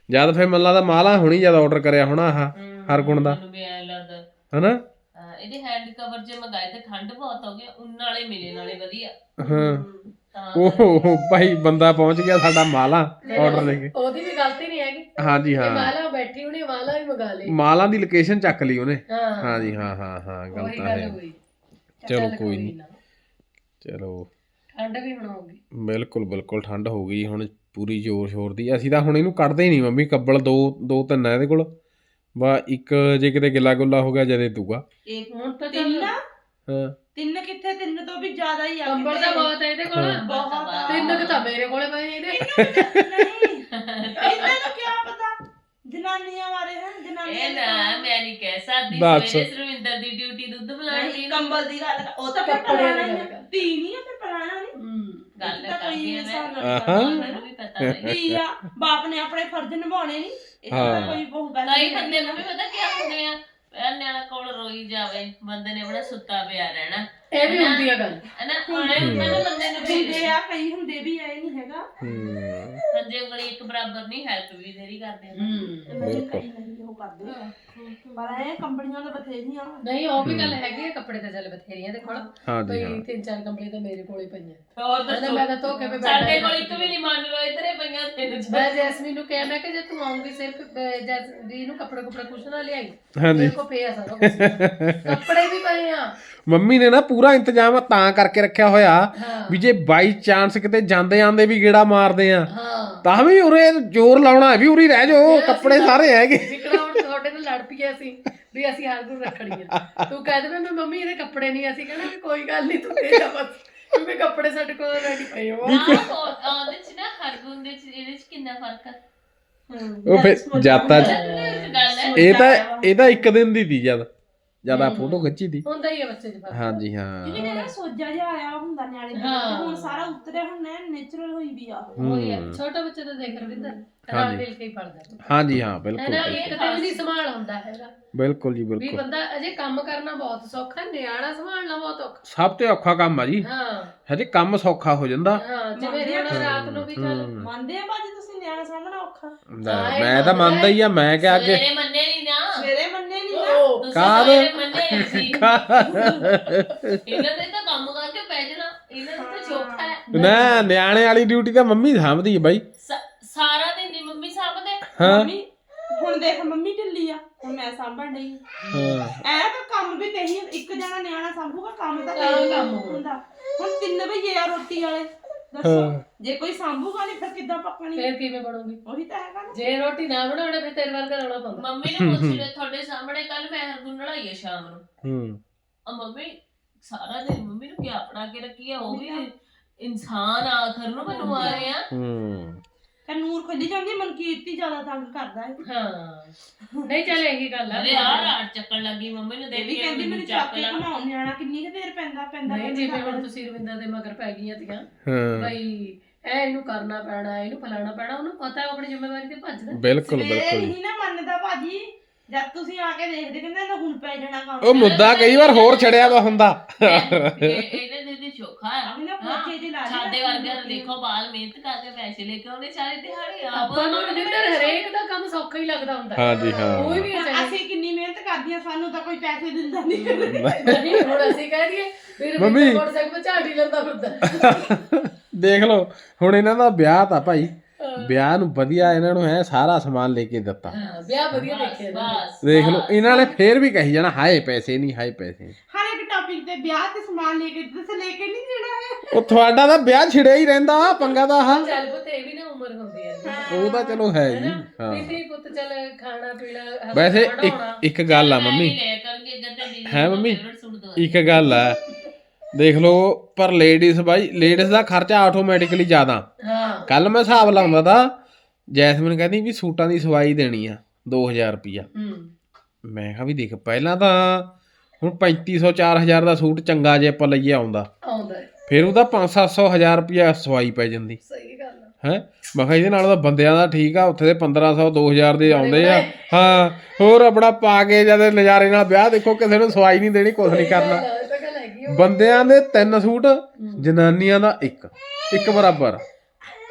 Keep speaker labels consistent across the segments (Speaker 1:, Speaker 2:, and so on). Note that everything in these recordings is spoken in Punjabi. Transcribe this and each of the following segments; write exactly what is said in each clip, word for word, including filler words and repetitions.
Speaker 1: ਜਦ ਫਿਰ ਮੈਨੂੰ ਲੱਗਦਾ ਮਾਲਾ ਹੋਣੀ ਜਦ ਆਰਡਰ ਕਰਿਆ ਹੋਣਾ ਆਹ ਹਰਗੁਣ ਦਾ ਹਨਾ
Speaker 2: ਇਹਦੇ ਹੈਂਡ ਕਵਰ ਜੇ ਮੰਗਾਏ ਤੇ ਠੰਡ ਬਹੁਤ ਹੋ ਗਈ ਉਨ ਵਾਲੇ ਮਿਲੇ ਨਾਲੇ ਵਧੀਆ
Speaker 1: ਹਾਂ ਉਹ ਭਾਈ ਬੰਦਾ ਪਹੁੰਚ ਗਿਆ ਸਾਡਾ ਮਾਲਾ ਆਰਡਰ ਲੈ ਕੇ
Speaker 3: ਉਹਦੀ ਵੀ ਗਲਤੀ ਨਹੀਂ ਹੈਗੀ
Speaker 1: ਹਾਂਜੀ ਹਾਂ
Speaker 3: ਮਾਲਾ ਬੈਠੀ ਹੋਣੀ ਮਾਲਾ ਵੀ ਮੰਗਾ ਲਈ
Speaker 1: ਮਾਲਾ ਦੀ ਲੋਕੇਸ਼ਨ ਚੱਕ ਲਈ ਉਹਨੇ
Speaker 3: ਹਾਂ
Speaker 1: ਹਾਂਜੀ ਹਾਂ ਹਾਂ ਹਾਂ ਗੱਲ ਤਾਂ ਹੈ ਚਲੋ ਕੋਈ ਨਹੀਂ ਚਲੋ
Speaker 3: ਠੰਡ ਵੀ ਹੁਣ ਹੋਊਗੀ
Speaker 1: ਬਿਲਕੁਲ ਬਿਲਕੁਲ ਠੰਡ ਹੋ ਗਈ ਹੁਣ ਪੂਰੀ ਜ਼ੋਰ ਸ਼ੋਰ ਦੀ ਅਸੀਂ ਤਾਂ ਹੁਣ ਇਹਨੂੰ ਕੱਢਦੇ ਹੀ ਨਹੀਂ ਮੰਮੀ ਕੱਬਲ ਦੋ ਦੋ ਤਿੰਨ ਆ ਇਹਦੇ ਕੋਲ ਵਾ ਇੱਕ ਜੇ ਕਿਤੇ ਗਿੱਲਾ ਗੁੱਲਾ ਹੋ ਗਿਆ ਜਦੇ ਦੂਗਾ
Speaker 4: ਇੱਕ ਹੁਣ ਤਾਂ ਤਿੰਨ
Speaker 1: ਹਾਂ
Speaker 4: ਤਿੰਨ ਕਿੱਥੇ ਤਿੰਨ ਤੋਂ ਵੀ ਜ਼ਿਆਦਾ ਹੀ ਆ
Speaker 3: ਕੰਬਲ ਦਾ ਬਹੁਤ ਹੈ ਇਹਦੇ ਕੋਲ
Speaker 4: ਬਹੁਤ
Speaker 3: ਤਿੰਨ ਕਿ ਤਾਂ ਮੇਰੇ ਕੋਲੇ ਪਏ ਇਹਦੇ
Speaker 4: ਨਹੀਂ ਇਹਨਾਂ ਨੂੰ ਕੀ ਪਤਾ ਜਨਾਨੀਆਂ ਬਾਰੇ ਹੈ ਜਨਾਨੀਆਂ
Speaker 2: ਇਹ ਨਾ ਮੈਂ ਨਹੀਂ ਕਹਿ ਸਕਦੀ
Speaker 1: ਬਸ।
Speaker 2: ਸਵੇਰੇ ਸਰਵਿੰਦਰ ਦੀ ਡਿਊਟੀ ਦੁੱਧ ਬਣਾਉਣ ਦੀ ਨਾ
Speaker 4: ਕੰਬਲ ਦੀ ਗੱਲ ਉਹ ਤਾਂ ਫਿਰ
Speaker 3: ਕੱਪੜੇ
Speaker 4: ਪੁਰਾਣਾ
Speaker 3: ਦੀ
Speaker 4: ਹੀ
Speaker 3: ਗੱਲ
Speaker 4: ਆ
Speaker 3: ਕਰ।
Speaker 4: ਧੀ ਨਹੀਂ ਆ ਫਿਰ ਪੁਰਾਣਾ ਨਹੀਂ
Speaker 3: ਹੂੰ
Speaker 2: ਗੱਲ
Speaker 4: ਤਾਂ ਕੋਈ
Speaker 2: ਕਰਦੀ ਆ
Speaker 4: ਇਨਸਾਨ
Speaker 2: ਮੈਂ
Speaker 4: ਨਾਲ
Speaker 1: ਆਹਾਂ।
Speaker 2: ਮੈਨੂੰ ਵੀ ਪਤਾ ਹੈ
Speaker 4: ਧੀ ਆ ਬਾਪ ਨੇ ਆਪਣੇ ਫਰਜ਼ ਨਿਭਾਉਣੇ ਨਹੀਂ ਇਹ ਤਾਂ ਕੋਈ ਬਹੁਤ ਗੱਲ
Speaker 2: ਕਈ ਬੰਦੇ ਨੂੰ ਵੀ ਪਤਾ ਕੀ ਹੁੰਦੇ ਆ ਪਹਿਲਾਂ ਨਿਆਣਾ ਕੋਲ ਰੋਈ ਜਾਵੇ ਬੰਦੇ ਨੇ ਬੜਾ ਸੁੱਤਾ ਪਿਆ ਰਹਿਣਾ
Speaker 3: ਇਹ ਵੀ ਹੁੰਦੀ ਆ ਗੱਲ
Speaker 2: ਹਨਾ ਉਹਨੇ ਮੈਨੂੰ ਬੰਦੇ ਨੂੰ ਵੀ
Speaker 4: ਹੁੰਦੇ ਆ ਕਈ ਹੁੰਦੇ ਵੀ ਆਏ ਨਹੀਂ ਹੈਗਾ
Speaker 1: ਹੂੰ
Speaker 2: ਪੰਜੇ ਉਂਗਲੀ ਇੱਕ ਬਰਾਬਰ ਨਹੀਂ ਹੈਲਪ ਵੀ ਤੇਰੀ ਕਰਦੇ ਆ
Speaker 4: ਤੇ ਮੇਰੇ ਕਈ ਨਹੀਂ ਉਹ ਕਰਦੇ ਆ। ਪਰ ਇਹ ਕੰਪਨੀਆਂ ਦਾ ਬਥੇਰੀਆਂ
Speaker 3: ਨਹੀਂ ਉਹ ਵੀ ਗੱਲ ਹੈਗੀ ਆ ਕੱਪੜੇ ਤਾਂ ਚੱਲ ਬਥੇਰੀਆਂ ਦੇ ਕੋਲ
Speaker 1: ਹਾਂਜੀ ਹਾਂ
Speaker 3: ਕੋਈ ਤਿੰਨ ਚਾਰ ਕੰਪਨੀ ਤਾਂ ਮੇਰੇ ਕੋਲੇ ਪਈਆਂ
Speaker 2: ਹੋਰ
Speaker 3: ਕਹਿੰਦਾ
Speaker 2: ਦੱਸੋ
Speaker 3: ਮੈਂ ਤਾਂ ਧੋ ਕੇ ਵੀ
Speaker 2: ਸਾਡੇ ਕੋਲ ਇੱਕ ਵੀ ਨਹੀਂ ਮੰਨ ਲਓ ਇਧਰੇ ਪਈਆਂ ਤਿੰਨ ਚਾਰ
Speaker 3: ਮੈਂ ਜੈਸਮੀਨ ਨੂੰ ਕਿਹਾ ਮੈਂ ਕਿ ਜੇ ਤੂੰ ਆਉਂਗੀ ਸਿਰਫ ਜੈਸਮੀਨ ਨੂੰ ਕੱਪੜੇ ਕੁਪੜੇ ਕੁਛ ਨਾ ਲਿਆਈ
Speaker 1: ਹਾਂਜੀ
Speaker 3: ਮੇਰੇ ਕੋ ਪਿਆ ਸਾਰਾ ਕੁਛ ਕੱਪੜੇ ਵੀ ਪਏ ਆ
Speaker 1: ਮੰਮੀ ਨੇ ਨਾ ਪੂਰਾ ਇੰਤਜ਼ਾਮ ਤਾਂ ਕਰਕੇ ਰੱਖਿਆ ਹੋਇਆ
Speaker 3: ਹਾਂ
Speaker 1: ਵੀ ਜੇ ਬਾਈ ਚਾਂਸ ਕਿਤੇ ਜਾਂਦੇ ਆਂਦੇ ਵੀ ਗੇੜਾ ਮਾਰਦੇ ਆ
Speaker 3: ਹਾਂ
Speaker 1: ਤਾਂ ਵੀ ਉਰੇ ਜ਼ੋਰ ਲਾਉਣਾ ਹੈ ਵੀ ਉਰੀ ਰਹਿ ਜਾਓ ਕੱਪੜੇ ਸਾਰੇ ਹੈਗੇ
Speaker 3: ਵਿਕੜਾ ਹੁਣ ਤੁਹਾਡੇ ਨਾਲ ਲੜ ਪਈਏ ਅਸੀਂ ਵੀ ਅਸੀਂ ਹਰ ਗੁਣ ਰੱਖਣੀ ਆ ਤੂੰ ਕਹਿ ਦੇ ਮੈਂ ਮੰਮੀ ਇਹਦੇ ਕੱਪੜੇ ਨਹੀਂ ਅਸੀਂ ਕਹਿੰਦਾ ਵੀ ਕੋਈ ਗੱਲ ਨਹੀਂ ਤੂੰ ਦੇ ਜਾ ਬਸ ਕਿਉਂਕਿ ਕੱਪੜੇ ਸਾਡੇ ਕੋਲ ਰੈਡੀ ਪਏ ਹੋ
Speaker 2: ਉਹਦੇ ਚ ਨਾ ਹਰਗੁਣ ਦੇ ਚ ਇਹਦੇ ਚ ਕਿੰਨਾ ਫਰਕ ਆ
Speaker 1: ਉਹ ਫਿਰ ਜਾਤਾ
Speaker 2: ਇੱਕ ਗੱਲ ਹੈ
Speaker 1: ਇਹ ਤਾਂ ਇਹ ਤਾਂ ਇੱਕ ਦਿਨ ਦੀ ਦੀ ਜਦ ਜਦ ਆ ਫੋਟੋ ਖਿੱਚੀ ਦੀ
Speaker 3: ਹੁੰਦਾ ਹੀ ਆ ਬੱਚੇ ਦੇ ਪਾਸ
Speaker 1: ਹਾਂਜੀ ਹਾਂ
Speaker 4: ਜਿਵੇਂ ਕਹਿੰਦਾ ਸੋਜਾ ਜਿਹਾ ਆਇਆ ਹੁੰਦਾ ਨਿਆਣੇ ਦਾ
Speaker 3: ਹਾਂ।
Speaker 4: ਹੁਣ ਸਾਰਾ ਉਤਰਿਆ ਹੁਣ ਨੇਚਰਲ ਹੋਈ ਵੀ ਆ ਉਹ।
Speaker 3: ਉਹੀ ਆ ਛੋਟਾ ਬੱਚਾ ਤਾਂ ਦੇਖ ਰਵਿੰਦਰ ਨਾਲ ਮਿਲ ਕੇ ਹੀ ਪੜਦਾ
Speaker 1: ਹਾਂਜੀ ਹਾਂ
Speaker 3: ਹੈ
Speaker 1: ਬਿਲਕੁਲ
Speaker 3: ਨਾ ਇੱਕ ਤੇ ਵੀ ਨਹੀਂ ਸੰਭਾਲ ਹੁੰਦਾ ਹੈਗਾ
Speaker 1: ਬਿਲਕੁਲ ਜੀ
Speaker 3: ਵੀ
Speaker 1: ਬਿਲਕੁਲ
Speaker 3: ਬੰਦਾ ਅਜੇ ਕੰਮ ਕਰਨਾ ਬਹੁਤ ਸੌਖਾ ਹੈ, ਨਿਆਣਾ ਸੰਭਾਲਣਾ ਬਹੁਤ ਔਖਾ
Speaker 1: ਸਭ ਤੋਂ ਔਖਾ ਕੰਮ ਆ ਜੀ
Speaker 3: ਹਾਂ
Speaker 1: ਹਜੇ ਕੰਮ ਸੌਖਾ ਹੋ ਜਾਂਦਾ
Speaker 3: ਹਾਂ ਜਿਵੇਂ ਹੁਣ ਰਾਤ ਨੂੰ ਵੀ ਚੱਲ
Speaker 4: ਮੰਨਦੇ ਆ ਬਾਜੀ ਤੁਸੀਂ ਨਿਆਣਾ ਸਾਹਮਣਾ ਔਖਾ
Speaker 1: ਲੈ, ਮੈਂ ਤਾਂ ਮੰਨਦਾ ਹੀ ਆ ਮੈਂ ਕਿ ਅੱਗੇ
Speaker 2: ਸਵੇਰੇ ਮੰਨੇ ਨਹੀਂ ਨਾ
Speaker 4: ਸਵੇਰੇ ਮੰਨੇ ਨਹੀਂ
Speaker 3: ਉਹ
Speaker 2: ਤੁਸੀਂ
Speaker 1: ਕਾਹਦ?
Speaker 2: ਸਵੇਰੇ ਮੰਨੇ ਨਹੀਂ ਸੀ ਇਹਨਾਂ ਦੇ ਤਾਂ ਕੰਮ ਕਰਕੇ ਪੈ ਜਾਣਾ ਇਹਨਾਂ ਦਾ ਤਾਂ ਚੋਖਾ ਹੈ
Speaker 1: ਨਾ ਨਿਆਣੇ ਵਾਲੀ ਡਿਊਟੀ ਤਾਂ ਮੰਮੀ ਸਾਂਭਦੀ ਹੈ ਬਾਈ
Speaker 2: ਸ- ਸਾਰਾ ਦਿਨ ਦੀ ਮੰਮੀ ਸਾਂਭਦੇ
Speaker 1: ਹਾਂ
Speaker 4: ਮੰਮੀ ਹੁਣ ਦੇਖ ਮੰਮੀ ਢਿੱਲੀ ਆ ਹੁਣ ਮੈਂ ਸਾਂਭਣ ਡਈ
Speaker 1: ਹਾਂ
Speaker 4: ਐ ਤਾਂ ਕੰਮ ਵੀ ਕਹੀ ਇੱਕ ਜਣਾ ਨਿਆਣਾ ਸਾਂਭੂਗਾ ਕੰਮ ਤਾਂ
Speaker 3: ਹਾਂ,
Speaker 4: ਕਈ
Speaker 3: ਕੰਮ
Speaker 4: ਹੁੰਦਾ ਹੁਣ ਤਿੰਨ ਭਈਏ ਆ ਰੋਟੀ ਵਾਲੇ ਦੱਸੋ ਜੇ ਕੋਈ ਸਾਂਭੂਗਾ ਨਹੀਂ ਫਿਰ ਕਿੱਦਾਂ ਪੱਕਣੀ
Speaker 3: ਫੇਰ ਕਿਵੇਂ ਬਣੂਗੀ
Speaker 4: ਉਹੀ ਤਾਂ ਹੈਗਾ ਨਾ
Speaker 3: ਜੇ ਰੋਟੀ ਨਾ ਬਣਾਉਣਾ ਫਿਰ ਤੇਰੇ ਵਰਗਾ ਰੌਲਾ ਪਾਉਂਦਾ
Speaker 2: ਮੰਮੀ ਨੂੰ ਪੁੱਛ ਲੈ ਤੁਹਾਡੇ ਸਾਹਮਣੇ ਕੱਲ ਮੈਂ ਹਰਗੁਣ ਲੜਾਈ ਹੈ ਸ਼ਾਮ ਨੂੰ
Speaker 1: ਹੂੰ
Speaker 2: ਆ ਮੰਮੀ ਸਾਰਾ ਦਿਨ ਮੰਮੀ ਨੂੰ ਕਿਆ ਬਣਾ ਕੇ ਰੱਖੀ ਆ ਉਹ ਵੀ ਇਨਸਾਨ ਆਖਰ ਨੂੰ ਮੈਨੂੰ ਆ ਰਹੇ ਆ
Speaker 1: ਹੂੰ
Speaker 4: ਤੇ ਨੂਰ ਖੁੱਲੀ ਜਾਂਦੀ ਮਨਕੀਰਤੀ ਜ਼ਿਆਦਾ ਤੰਗ ਕਰਦਾ ਹੈ
Speaker 3: ਹਾਂ ਨਹੀਂ ਚੱਲ ਇਹੀ ਗੱਲ ਆ
Speaker 2: ਅਰੇ ਯਾਰ ਆਟ ਚੱਕਣ ਲੱਗੀ ਮੰਮੀ ਨੂੰ
Speaker 4: ਇਹ
Speaker 2: ਦੇਖ
Speaker 4: ਵੀ
Speaker 2: ਕੇ
Speaker 4: ਕਹਿੰਦੀ ਮੈਨੂੰ ਚੱਕ ਕੇ ਘਮਾਉਣ ਨਿਆਣਾ ਕਿੰਨੀ ਕੁ ਦੇਰ ਪੈਂਦਾ ਪੈਂਦਾ
Speaker 3: ਨਹੀਂ ਜਿਵੇਂ ਹੁਣ ਤੁਸੀਂ ਰਵਿੰਦਰ ਦੇ ਮਗਰ ਪੈ ਗਈਆਂ ਤੀਆਂ
Speaker 1: ਹਾਂ
Speaker 3: ਬਈ ਐ ਇਹਨੂੰ ਕਰਨਾ ਪੈਣਾ ਇਹਨੂੰ ਫਲਾਣਾ ਪੈਣਾ ਉਹਨੂੰ ਪਤਾ ਉਹ ਆਪਣੀ ਜ਼ਿੰਮੇਵਾਰੀ ਤੇ ਭੱਜਦਾ
Speaker 1: ਬਿਲਕੁਲ
Speaker 4: ਸਵੇਰੇ
Speaker 1: ਬਿਲਕੁਲ ਜੀ।
Speaker 4: ਨਹੀਂ ਨਾ ਮੰਨਦਾ ਭਾਜੀ ਜਦ ਤੁਸੀਂ ਆ ਕੇ ਦੇਖਦੇ ਕਹਿੰਦੇ ਇਹਦਾ ਹੁਣ ਪੈ ਜਾਣਾ ਕੰਮ
Speaker 1: ਉਹ ਮੁੱਦਾ ਕਈ ਵਾਰ ਹੋਰ ਛੜਿਆ ਵਾ ਹੁੰਦਾ
Speaker 2: ਇਹਨੇ ਦੇ ਦੇ ਚੋਖਾ ਆ
Speaker 4: ਅਭੀ ਨਾ ਪੋਚੇ ਜਿਹੇ ਲਾ ਲਈ
Speaker 2: ਸਾਡੇ ਵਰਗਿਆਂ ਨੂੰ ਦੇਖੋ ਬਾਲ ਮਿਹਨਤ ਕਰਕੇ ਪੈਸੇ ਲੈ ਕੇ ਆਉਂਦੇ ਸਾਰੇ ਦਿਹਾੜੀ ਆਪ
Speaker 3: ਆਪਾਂ ਨੂੰ ਰਵਿੰਦਰ ਹਰੇਕ ਦਾ ਕੰਮ ਸੌਖਾ ਹੀ ਲੱਗਦਾ ਹੁੰਦਾ
Speaker 1: ਹਾਂਜੀ ਹਾਂ
Speaker 3: ਕੋਈ ਵੀ ਚਾਹੇ
Speaker 4: ਅਸੀਂ ਕਿੰਨੀ ਮਿਹਨਤ ਕਰਦੀਆਂ ਸਾਨੂੰ ਤਾਂ ਕੋਈ ਪੈਸੇ ਦਿੰਦਾ ਨਹੀਂ
Speaker 3: ਨਹੀਂ ਹੁਣ ਅਸੀਂ ਕਹਿ ਦਈਏ ਫਿਰ
Speaker 1: ਮੰਮੀ।
Speaker 3: ਰਵਿੰਦਰ ਮੋਟਰਸਾਈਕਲ ਤੇ ਝਾੜੀ ਲੈਂਦਾ ਫਿਰਦਾ
Speaker 1: ਦੇਖ ਲਓ ਹੁਣ ਇਹਨਾਂ ਦਾ ਵਿਆਹ ਤਾਂ ਭਾਈ ਵਿਆਹ ਨੂੰ ਵਧੀਆ ਇਹਨਾਂ ਨੂੰ ਹੈ ਸਾਰਾ ਸਮਾਨ ਲੈ ਕੇ ਦਿੱਤਾ
Speaker 3: ਹਾਂ ਵਿਆਹ ਵਧੀਆ ਦੇਖਿਆ ਨਾ
Speaker 2: ਬਸ
Speaker 1: ਦੇਖ ਲਓ ਇਹਨਾਂ ਨੇ ਫੇਰ ਵੀ ਕਹੀ ਜਾਣਾ ਹਾਏ ਪੈਸੇ ਨਹੀਂ ਹਾਏ ਪੈਸੇ ਨੀ।
Speaker 4: ਹਰ ਇੱਕ ਟੌਪਿਕ ਤੇ ਵਿਆਹ ਤੇ ਸਮਾਨ ਲੈ ਕੇ ਤੁਸੀਂ ਲੈ ਕੇ ਨਹੀਂ ਜਾਣਾ ਹੈ
Speaker 1: ਉਹ ਤੁਹਾਡਾ ਤਾਂ ਵਿਆਹ ਛਿੜਿਆ ਹੀ ਰਹਿੰਦਾ ਪੰਗਾ ਦਾ ਹਾਂ
Speaker 3: ਚੱਲ ਪੁੱਤ ਇਹ ਵੀ ਨਾ ਉਮਰ ਹੁੰਦੀ ਹੈ
Speaker 1: ਉਹ ਤਾਂ ਚਲੋ ਹੈ ਜੀ ਹਾਂ
Speaker 3: ਕਿਸੇ ਪੁੱਤ ਚੱਲ ਖਾਣਾ ਪੀਣਾ ਹੱਸਣਾ
Speaker 1: ਵੈਸੇ ਇੱਕ
Speaker 3: ਵਢਾਉਣਾ।
Speaker 1: ਇੱਕ ਗੱਲ ਆ ਮੰਮੀ
Speaker 2: ਲੈ ਕਰਕੇ ਗੱਤੇ ਦੀ
Speaker 1: ਹੈ ਮੰਮੀ
Speaker 2: ਸੁਣ ਦੋ
Speaker 1: ਇੱਕ ਗੱਲ ਆ ਦੇਖ ਲਓ ਪਰ ਲੇਡੀਜ਼ ਬਾਈ ਲੇਡੀਜ਼ ਦਾ ਖਰਚਾ ਆਟੋਮੈਟਿਕਲੀ ਜ਼ਿਆਦਾ
Speaker 3: ਹਾਂ
Speaker 1: ਕੱਲ ਮੈਂ ਹਿਸਾਬ ਲਾਉਂਦਾ ਤਾਂ ਜੈਸਮੀਨ ਕਹਿੰਦੀ ਵੀ ਸੂਟਾਂ ਦੀ ਸਵਾਈ ਦੇਣੀ ਆ ਦੋ ਹਜ਼ਾਰ ਰੁਪਈਆ
Speaker 3: ਹੂੰ
Speaker 1: ਮੈਂ ਕਿਹਾ ਵੀ ਦੇਖ ਪਹਿਲਾਂ ਤਾਂ ਹੁਣ ਪੈਂਤੀ ਸੌ ਚਾਰ ਹਜ਼ਾਰ ਦਾ ਸੂਟ ਚੰਗਾ ਜੇ ਆਪਾਂ ਲਈਏ ਆਉਂਦਾ
Speaker 3: ਆਉਂਦਾ ਹੈ
Speaker 1: ਫਿਰ ਉਹਦਾ ਪੰਜ ਸੱਤ ਸੌ ਹਜ਼ਾਰ ਰੁਪਈਆ ਸਵਾਈ ਪੈ ਜਾਂਦੀ
Speaker 3: ਸਹੀ ਗੱਲ ਆ
Speaker 1: ਹੈ ਮੈਂ ਕਿਹਾ ਇਹਦੇ ਨਾਲ ਤਾਂ ਬੰਦਿਆਂ ਦਾ ਠੀਕ ਆ ਉੱਥੇ ਦੇ ਪੰਦਰਾਂ ਸੌ ਦੋ ਹਜ਼ਾਰ ਦੇ ਆਉਂਦੇ ਆ ਹਾਂ ਹੋਰ ਆਪਣਾ ਪਾ ਕੇ ਜਦ ਨਜ਼ਾਰੇ ਨਾਲ ਵਿਆਹ ਦੇਖੋ ਕਿਸੇ ਨੂੰ ਸਵਾਈ ਨਹੀਂ ਦੇਣੀ ਕੁਛ ਨਹੀਂ ਕਰਨਾ
Speaker 3: ਇਹ ਤਾਂ ਗੱਲ ਹੈਗੀ ਓ।
Speaker 1: ਬੰਦਿਆਂ ਦੇ ਤਿੰਨ ਸੂਟ ਜਨਾਨੀਆਂ ਦਾ ਇੱਕ ਇੱਕ ਬਰਾਬਰ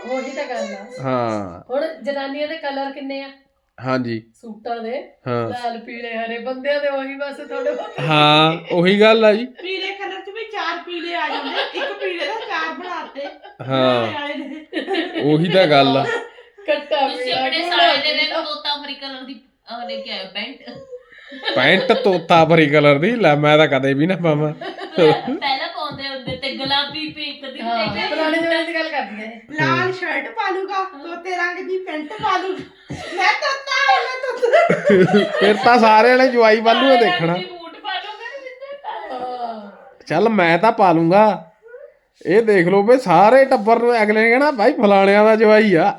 Speaker 3: ਉਹੀ ਤਾਂ ਗੱਲ ਆ।
Speaker 1: ਹਾਂ
Speaker 3: ਹੁਣ ਜਨਾਨੀਆਂ ਦੇ ਕਲਰ ਕਿੰਨੇ ਆ
Speaker 1: ਹਾਂਜੀ
Speaker 3: ਸੂਟਾਂ ਦੇ?
Speaker 1: ਹਾਂ
Speaker 3: ਲਾਲ ਪੀਲੇ ਹਰੇ। ਬੰਦਿਆਂ ਦੇ ਉਹੀ ਬਸ ਥੋੜੇ ਬਹੁਤ।
Speaker 1: ਹਾਂ ਉਹੀ ਗੱਲ ਆ ਜੀ।
Speaker 4: ਪੀਲੇ ਕਲਰ ਚ ਵੀ ਚਾਰ ਪੀਲੇ ਆ ਜਾਂਦੇ, ਇੱਕ ਪੀਲੇ ਦਾ ਚਾਰ ਬਣਾਤੇ
Speaker 1: ਹਾਂ
Speaker 4: ਵਾਲੇ ਦੇ।
Speaker 1: ਉਹੀ ਤਾਂ ਗੱਲ ਆ।
Speaker 3: ਕੱਟਾ
Speaker 2: ਤੁਸੀਂ
Speaker 3: ਪੀਲਾ,
Speaker 2: ਆਪਣੇ
Speaker 3: ਗੂੜਾ
Speaker 2: ਸਾਲੇ ਦੇ
Speaker 3: ਪੀਲਾ।
Speaker 2: ਦਿਨ ਤੋਤਾ ਫਰੀ ਕਲਰ ਦੀ ਆਹ ਲੈ ਕੇ ਆਇਓ ਪੈਂਟ।
Speaker 1: ਪੈਂਟ ਤੋਤਾ ਭਰੀ ਕਲਰ ਦੀ ਲੈ ਮੈਂ ਤਾਂ ਕਦੇ ਵੀ ਨਾ ਪਾਵਾਂ।
Speaker 2: ਪਹਿਲਾਂ ਪਾਉਂਦੇ ਹੁੰਦੇ ਤੇ ਗੁਲਾਬੀ ਪਿੰਕ ਦੀ
Speaker 3: ਹਾਂ
Speaker 2: ਦੇਖਿਆ
Speaker 3: ਪੁਰਾਣੇ ਜ਼ਮਾਨੇ ਦੀ ਗੱਲ ਕਰਦੀ ਹੈ।
Speaker 4: ਲਾਲ ਸ਼ਰਟ ਪਾ ਲੂਗਾ, ਤੋਤੇ ਰੰਗ ਦੀ ਪੈਂਟ ਪਾ ਲੂਗਾ। ਮੈਂ ਤੋਤਾ ਮੈਂ ਤੋਤਾ।
Speaker 1: ਫਿਰ ਤਾਂ ਸਾਰੇ ਵਾਲੇ ਜਵਾਈ ਵੱਲ ਨੂੰ ਦੇਖਣਾ।
Speaker 2: ਬੂਟ ਪਾ ਲਓਗੇ ਜਿੱਦਾਂ
Speaker 3: ਹਾਂ
Speaker 1: ਚੱਲ ਮੈਂ ਤਾਂ ਪਾ ਲੂੰਗਾ। ਇਹ ਦੇਖ ਲਓ ਵੀ ਸਾਰੇ ਟੱਬਰ ਨੂੰ ਅਗਲੇ ਨੇ ਕਹਿਣਾ ਭਾਈ ਫਲਾਣਿਆਂ ਦਾ ਜਵਾਈ ਆ।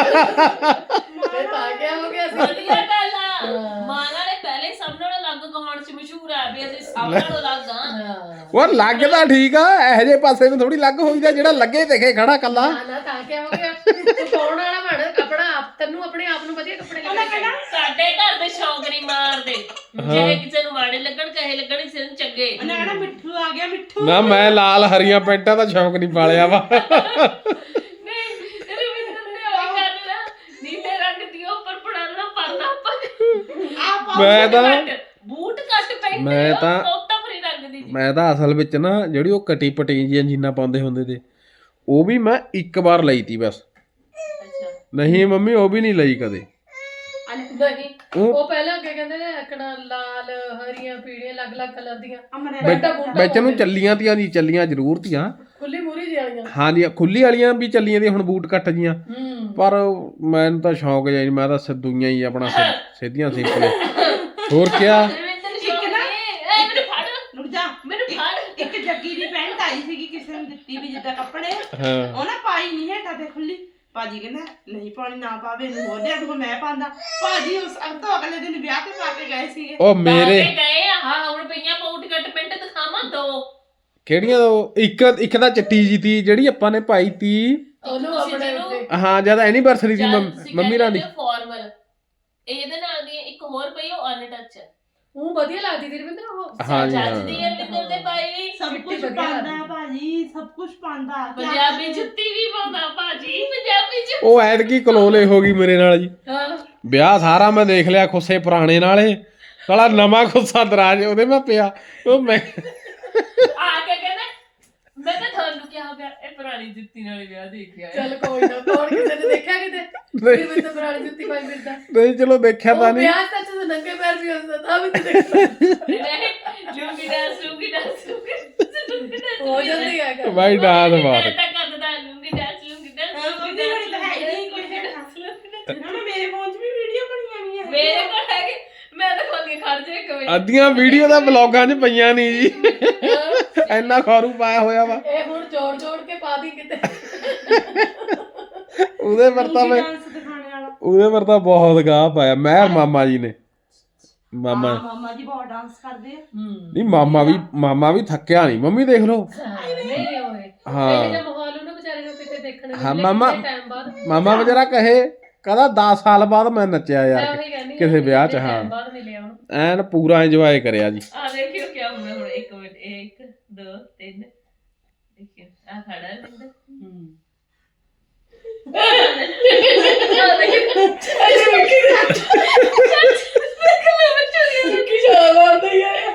Speaker 3: ਫਿਰ ਤਾਂ ਗਿਆ ਹੋ ਗਿਆ ਸੀ।
Speaker 2: ਵਧੀਆ ਗੱਲ ਆ। ਮਾਂ ਨਾਲੇ ਪਹਿਲੇ ਸਭ ਨਾਲੋਂ ਅਲੱਗ ਕਹਾਣ ਚ ਮਸ਼ਹੂਰ ਆ ਵੀ ਅਸੀਂ ਸਭ ਨਾਲੋਂ ਅਲੱਗ ਆ।
Speaker 3: ਹਾਂ
Speaker 1: ਉਹ ਲੱਗਦਾ ਠੀਕ ਆ ਇਹੋ ਜਿਹੇ ਪਾਸੇ ਨੂੰ ਥੋੜੀ ਲੱਗ ਹੋਈਦਾ ਜਿਹੜਾ ਲੱਗੇ ਦੇਖੇ ਖੜਾ ਕੱਲਾ।
Speaker 3: ਨਾ ਨਾ ਤਾਂ ਕਿਆ ਹੋ ਗਿਆ? ਤੂੰ ਪਾਉਣ ਵਾਲਾ ਬਣ ਆਪਣਾ ਆਪ। ਤੈਨੂੰ ਆਪਣੇ ਆਪ ਨੂੰ ਵਧੀਆ ਕੱਪੜੇ
Speaker 4: ਉਹਨੇ
Speaker 3: ਲੱਗਣੇ
Speaker 4: ਕਹਿਣਾ
Speaker 2: ਸਾਡੇ ਘਰ ਦੇ ਸ਼ੌਂਕ ਨਹੀਂ ਮਾਰਦੇ। ਜੇ ਕਿਸੇ ਨੂੰ ਮਾੜੇ ਲੱਗਣ ਕਹੇ ਲੱਗਣ ਕਿਸੇ ਨੂੰ ਚੰਗੇ।
Speaker 4: ਉਹਨੇ ਕਹਿਣਾ ਮਿੱਠੂ ਆ ਗਿਆ ਮਿੱਠੂ।
Speaker 1: ਨਾ ਮੈਂ ਲਾਲ ਹਰੀਆਂ ਪੈਂਟਾਂ ਦਾ ਸ਼ੌਂਕ ਨਹੀਂ ਪਾਲਿਆ ਵਾ।
Speaker 2: ਨਹੀਂ ਰਵਿੰਦਰ ਨੇ ਉਹ ਕਰਨਾ ਨੀਲੇ ਰੰਗ ਦੀ ਉੱਪਰ ਪੜਾਣਾ ਪਰਨਾ ਪਾ
Speaker 4: ਆ ਪਾ
Speaker 1: ਮੈਂ ਤਾਂ
Speaker 2: ਬੂਟ ਕੱਟ ਪੈਂਦੇ
Speaker 1: ਮੈਂ ਤਾਂ-
Speaker 2: ਤੋਤਾ ਫਰੀ ਰੰਗ ਦੀ।
Speaker 1: ਮੈਂ ਤਾਂ ਅਸਲ ਵਿੱਚ ਨਾ ਜਿਹੜੀ ਉਹ ਕਟੀ ਪਟੀ ਜੀਆਂ ਜੀਨਾਂ ਪਾਉਂਦੇ ਹੁੰਦੇ ਤੇ ਉਹ ਵੀ ਮੈਂ ਇੱਕ ਵਾਰ ਲਈ ਤੀ ਬਸ।
Speaker 2: ਅੱਛਾ
Speaker 1: ਨਹੀਂ ਮੰਮੀ ਉਹ ਵੀ ਨਹੀਂ ਲਈ ਕਦੇ।
Speaker 3: ਨਹੀਂ
Speaker 1: ਉਹ
Speaker 3: ਉਹ ਪਹਿਲਾਂ ਕੀ ਕਹਿੰਦੇ ਨੇ ਅਕਣਾ ਲਾਲ ਹਰੀਆਂ ਪੀੜੀਆਂ ਅਲੱਗ-ਅਲੱਗ ਕਲਰ ਦੀਆਂ
Speaker 4: ਅਮਰੇ
Speaker 1: ਵਿੱਚ- ਵਿੱਚ ਨੂੰ ਚੱਲੀਆਂ ਤੀਆਂ ਦੀ ਚੱਲੀਆਂ ਜ਼ਰੂਰ ਤੀਆਂ।
Speaker 3: ਖੁੱਲੀ ਮੂਰੀ ਜਿਹੀ ਵਾਲੀਆਂ।
Speaker 1: ਹਾਂਜੀ ਖੁੱਲੀ ਵਾਲੀਆਂ ਵੀ ਚੱਲੀਆਂ ਦੀਆਂ ਹੁਣ ਬੂਟ ਕੱਟ ਜੀਆਂ।
Speaker 3: ਹੂੰ
Speaker 1: ਪਰ ਮੈਨੂੰ ਤਾਂ ਸ਼ੌਂਕ ਜਿਹਾ ਨਹੀਂ ਮੈਂ ਤਾਂ ਸਿੱਧੂਆਂ ਹੀ ਆਪਣਾ ਸਿ- ਸਿੱਧੀਆਂ ਸਿੰਪਲ। ਹੋਰ ਕਿਆ
Speaker 2: ਰਵਿੰਦਰ ਸ਼ੌਂਕ ਨੇ ਐ ਮੈਨੂੰ ਫੜ
Speaker 4: ਰੁਕ ਜਾ।
Speaker 2: ਮੈਨੂੰ ਫੜ।
Speaker 4: ਇੱਕ ਜੱਗੀ ਦੀ ਪੈਂਟ ਆਈ ਸੀਗੀ ਕਿਸੇ ਨੂੰ ਦਿੱਤੀ ਵੀ ਜਿੱਦਾਂ ਕੱਪੜੇ,
Speaker 1: ਹਾਂ
Speaker 4: ਉਹਨੇ ਪਾਈ ਨਹੀਂ ਹੇਠਾਂ ਤੇ ਖੁੱਲੀ। ਭਾਜੀ ਕਹਿੰਦਾ ਨਹੀਂ ਪਾਉਣੀ ਨਾ ਪਾਵੇ, ਇਹਨੂੰ ਹੋਰ ਲਿਆ ਦੂੰਗਾ ਮੈਂ ਪਾਉਂਦਾ। ਭਾਜੀ ਉਸ ਅਗ ਤੋਂ ਅਗਲੇ ਦਿਨ ਵਿਆਹ ਤੇ ਪਾ ਕੇ ਗਏ ਸੀਗੇ।
Speaker 1: ਉਹ ਮੇਰੇ
Speaker 2: ਪਾ ਕੇ ਗਏ ਆ ਹਾਂ ਹੁਣ ਪਈਆਂ ਬੂਟ ਕੱਟ ਪੈਂਟ ਦਿਖਾਵਾਂ ਦੋ।
Speaker 1: ਕਿਹੜੀਆਂ ਉਹ ਇੱਕ ਇੱਕ ਤਾਂ ਚਿੱਟੀ ਜੀ ਤੀ ਜਿਹੜੀ ਆਪਾਂ ਨੇ ਪਾਈ ਤੀ।
Speaker 3: ਉਹਨੂੰ
Speaker 2: ਤੁਸੀਂ
Speaker 3: ਆਪਣੇ
Speaker 2: ਜਿਹਨੂੰ-
Speaker 3: ਉੱਤੇ
Speaker 1: ਹਾਂ ਜਦ ਐਨੀਵਰਸਰੀ ਸੀ ਮੰਮ- ਮੰਮੀ ਰਾਂ ਦੀ।
Speaker 2: ਫਾਰਮਲ ਇਹਦੇ ਨਾਲ ਦੀ ਇੱਕ ਹੋਰ ਪਈ ਉਹ ਅਨਟੱਚ ਹੈ।
Speaker 3: ਉਹ ਵਧੀਆ ਲੱਗਦੀ ਸੀ ਰਵਿੰਦਰ ਉਹ।
Speaker 1: ਹਾਂਜੀ,
Speaker 2: ਜੱਜ
Speaker 1: ਹਾਂ।
Speaker 2: ਦੀ ਰਵਿੰਦਰ ਦੇ ਪਾਈ
Speaker 4: ਸਭ
Speaker 3: ਚਿੱਟੀ
Speaker 4: ਕੁਝ
Speaker 3: ਵਧੀਆ
Speaker 4: ਪਾਉਂਦਾ
Speaker 3: ਲੱਗਦੀ।
Speaker 4: ਭਾਜੀ, ਸਭ ਕੁਝ ਪਾਉਂਦਾ। ਕਿਆ
Speaker 2: ਪੰਜਾਬੀ
Speaker 4: ਕਰੇ?
Speaker 2: ਜੁੱਤੀ ਵੀ ਪਾਉਂਦਾ ਭਾਜੀ ਪੰਜਾਬੀ ਜੁੱਤੀ।
Speaker 1: ਉਹ ਐਤਕੀ ਕਲੋਲੇ ਹੋ ਗਈ ਮੇਰੇ ਨਾਲ ਜੀ।
Speaker 3: ਹਾਂ
Speaker 1: ਵਿਆਹ ਸਾਰਾ ਮੈਂ ਦੇਖ ਲਿਆ ਖੁੱਸੇ ਪੁਰਾਣੇ ਨਾਲੇ ਸਾਲਾ ਨਵਾਂ ਖੁੱਸਾ ਦਰਾਜ ਉਹਦੇ ਮੈਂ ਪਿਆ। ਉਹ ਮੈਂ
Speaker 2: ਆ ਕੇ ਕਹਿੰਦਾ ਮੈਂ ਤਾਂ ਤੁਹਾਨੂੰ ਕਿਹਾ ਹੋ ਗਿਆ ਇਹ ਪੁਰਾਣੀ ਜੁੱਤੀ ਨਾਲ ਹੀ ਵਿਆਹ ਦੇਖਿਆ ਹੈ।
Speaker 3: ਚੱਲ ਕੋਈ ਨਾ ਹੋਰ ਕਿਸੇ ਨੇ ਦੇਖਿਆ ਕਿਤੇ ਫਿਰ ਮੈਂ ਤਾਂ ਪੁਰਾਣੀ ਜੁੱਤੀ ਪਾਈ ਫਿਰਦਾ।
Speaker 1: ਨਹੀਂ ਚਲੋ ਦੇਖਿਆ ਤਾਂ
Speaker 3: ਉਹ
Speaker 1: ਨਹੀਂ।
Speaker 3: ਵਿਆਹ ਸੱਚ ਤਾਂ ਨੰਗੇ ਪੈਰ ਵੀ ਹੁੰਦਾ ਤਾਂ ਵੀ ਤੂੰ ਦੇਖਦਾ
Speaker 2: ਨਹੀਂ ਲੂੰਗੀ ਡਾਂਸ ਲੂੰਗੀ ਡਾਂਸ ਲੂੰਗੀ ਡਾਂਸ
Speaker 3: ਹੋ ਜਾਂਦੀ ਹੈਗਾ।
Speaker 1: ਬਾਈ ਡਾਂਸ ਬਾਤ
Speaker 2: ਤਾਂ ਕਰਦਾ ਲੂੰਗੀ ਡਾਂਸ ਲੂੰਗੀ ਡਾਂਸ
Speaker 4: ਹਾਂ,
Speaker 2: ਲੂੰਗੀ
Speaker 4: ਮੰਮੀ
Speaker 2: ਡਾਂਸ
Speaker 4: ਹੋਣੀ ਤਾਂ ਹੈ ਨਹੀਂ ਕੋਈ
Speaker 2: ਲੂੰਗੀ
Speaker 4: ਹੈਗਾ।
Speaker 2: ਡਾਂਸ, ਲੂੰਗੀ ਡਾਂਸ।
Speaker 4: ਨਾ ਮੇਰੇ ਫੋਨ 'ਚ ਵੀ ਵੀਡੀਓ ਬਣੀਆਂ ਹੋਈਆਂ ਹੈਗੀਆਂ।
Speaker 2: ਮੇਰੇ ਕੋਲ ਹੈਗੇ ਮੈਂ ਤਾਂ ਖੋਲ ਕੇ ਖੜ ਜਾ ਇੱਕ ਮਿੰਟ।
Speaker 1: ਅੱਧੀਆਂ ਵੀਡੀਓ ਤਾਂ ਬਲੌਗਾਂ 'ਚ ਪਈਆਂ ਨਹੀਂ ਜੀ। ਇੰਨਾ ਖਾਰੂ ਪਾਇਆ ਹੋਇਆ ਵਾ
Speaker 3: ਇਹ ਹੁਣ ਜੋੜ ਜੋੜ ਕੇ ਪਾ ਦੀ ਕਿਤੇ।
Speaker 1: ਉਹਦੇ ਪਰ ਤਾਂ ਮੈਂ
Speaker 4: ਡਾਂਸ ਦਿਖਾਣੇ ਵਾਲਾ।
Speaker 1: ਉਹਦੇ ਪਰ ਤਾਂ ਬਹੁਤ ਗਾਹ ਪਾਇਆ ਮੈਂ ਔਰ ਮਾਮਾ ਜੀ ਨੇ। ਮਾਮਾ
Speaker 4: ਹਾਂ, ਮਾਮਾ ਜੀ ਬਹੁਤ ਡਾਂਸ ਕਰਦੇ ਆ।
Speaker 3: ਹੂੰ
Speaker 1: ਨਹੀਂ ਮਾਮਾ ਵੀ ਮਾਮਾ ਵੀ ਥੱਕਿਆ ਨਹੀਂ ਮੰਮੀ ਦੇਖ ਲਓ।
Speaker 3: ਨਹੀਂ ਹੋਏ
Speaker 1: ਹਾਂ।
Speaker 3: ਇਹ ਜਿਹਾ ਮਾਹੌਲ ਉਹਨੂੰ ਵਿਚਾਰੇ ਨੂੰ ਕਿਤੇ ਦੇਖਣ ਨੂੰ
Speaker 1: ਹਾਂ,
Speaker 3: ਮਿਲੇ
Speaker 1: ਮਾਮਾ-
Speaker 3: ਕਿੰਨੇ ਟਾਈਮ ਬਾਅਦ।
Speaker 1: ਮਾਮਾ ਵਿਚਾਰਾ ਕਹੇ ਕਹਿੰਦਾ ਦਸ ਸਾਲ ਬਾਅਦ ਮੈਂ ਨੱਚਿਆ
Speaker 3: ਮੈਂ
Speaker 1: ਯਾਰ
Speaker 3: ਉਹੀ ਕਹਿੰਦੀ
Speaker 1: ਕਿਸੇ ਵਿਆਹ 'ਚ।
Speaker 3: ਕਿੰਨੇ
Speaker 1: ਹਾਂ
Speaker 3: time ਬਾਅਦ ਮਿਲਿਆ ਉਹਨੂੰ।
Speaker 1: ਐਨ ਪੂਰਾ ਇੰਜੋਏ ਕਰਿਆ ਜੀ।
Speaker 2: ਆ ਦੇਖਿਓ ਕੀ ਹੁੰਦਾ ਹੁਣ ਇੱਕ ਮਿੰਟ ਇਹ ਇੱਕ ਦੋ ਤਿੰਨ ਦੇਖਿਓ ਆ ਖੜਾ ਹੈ ਬਿੰਦ
Speaker 3: ਹੂੰ
Speaker 2: ਆ ਦੇਖਿਓ ਅਜੇ ਮਿੱਟੀ ਦਾ
Speaker 3: ਕੀ ਸ਼ਾਮ ਆਉਂਦਾ ਹੀ ਹੈ।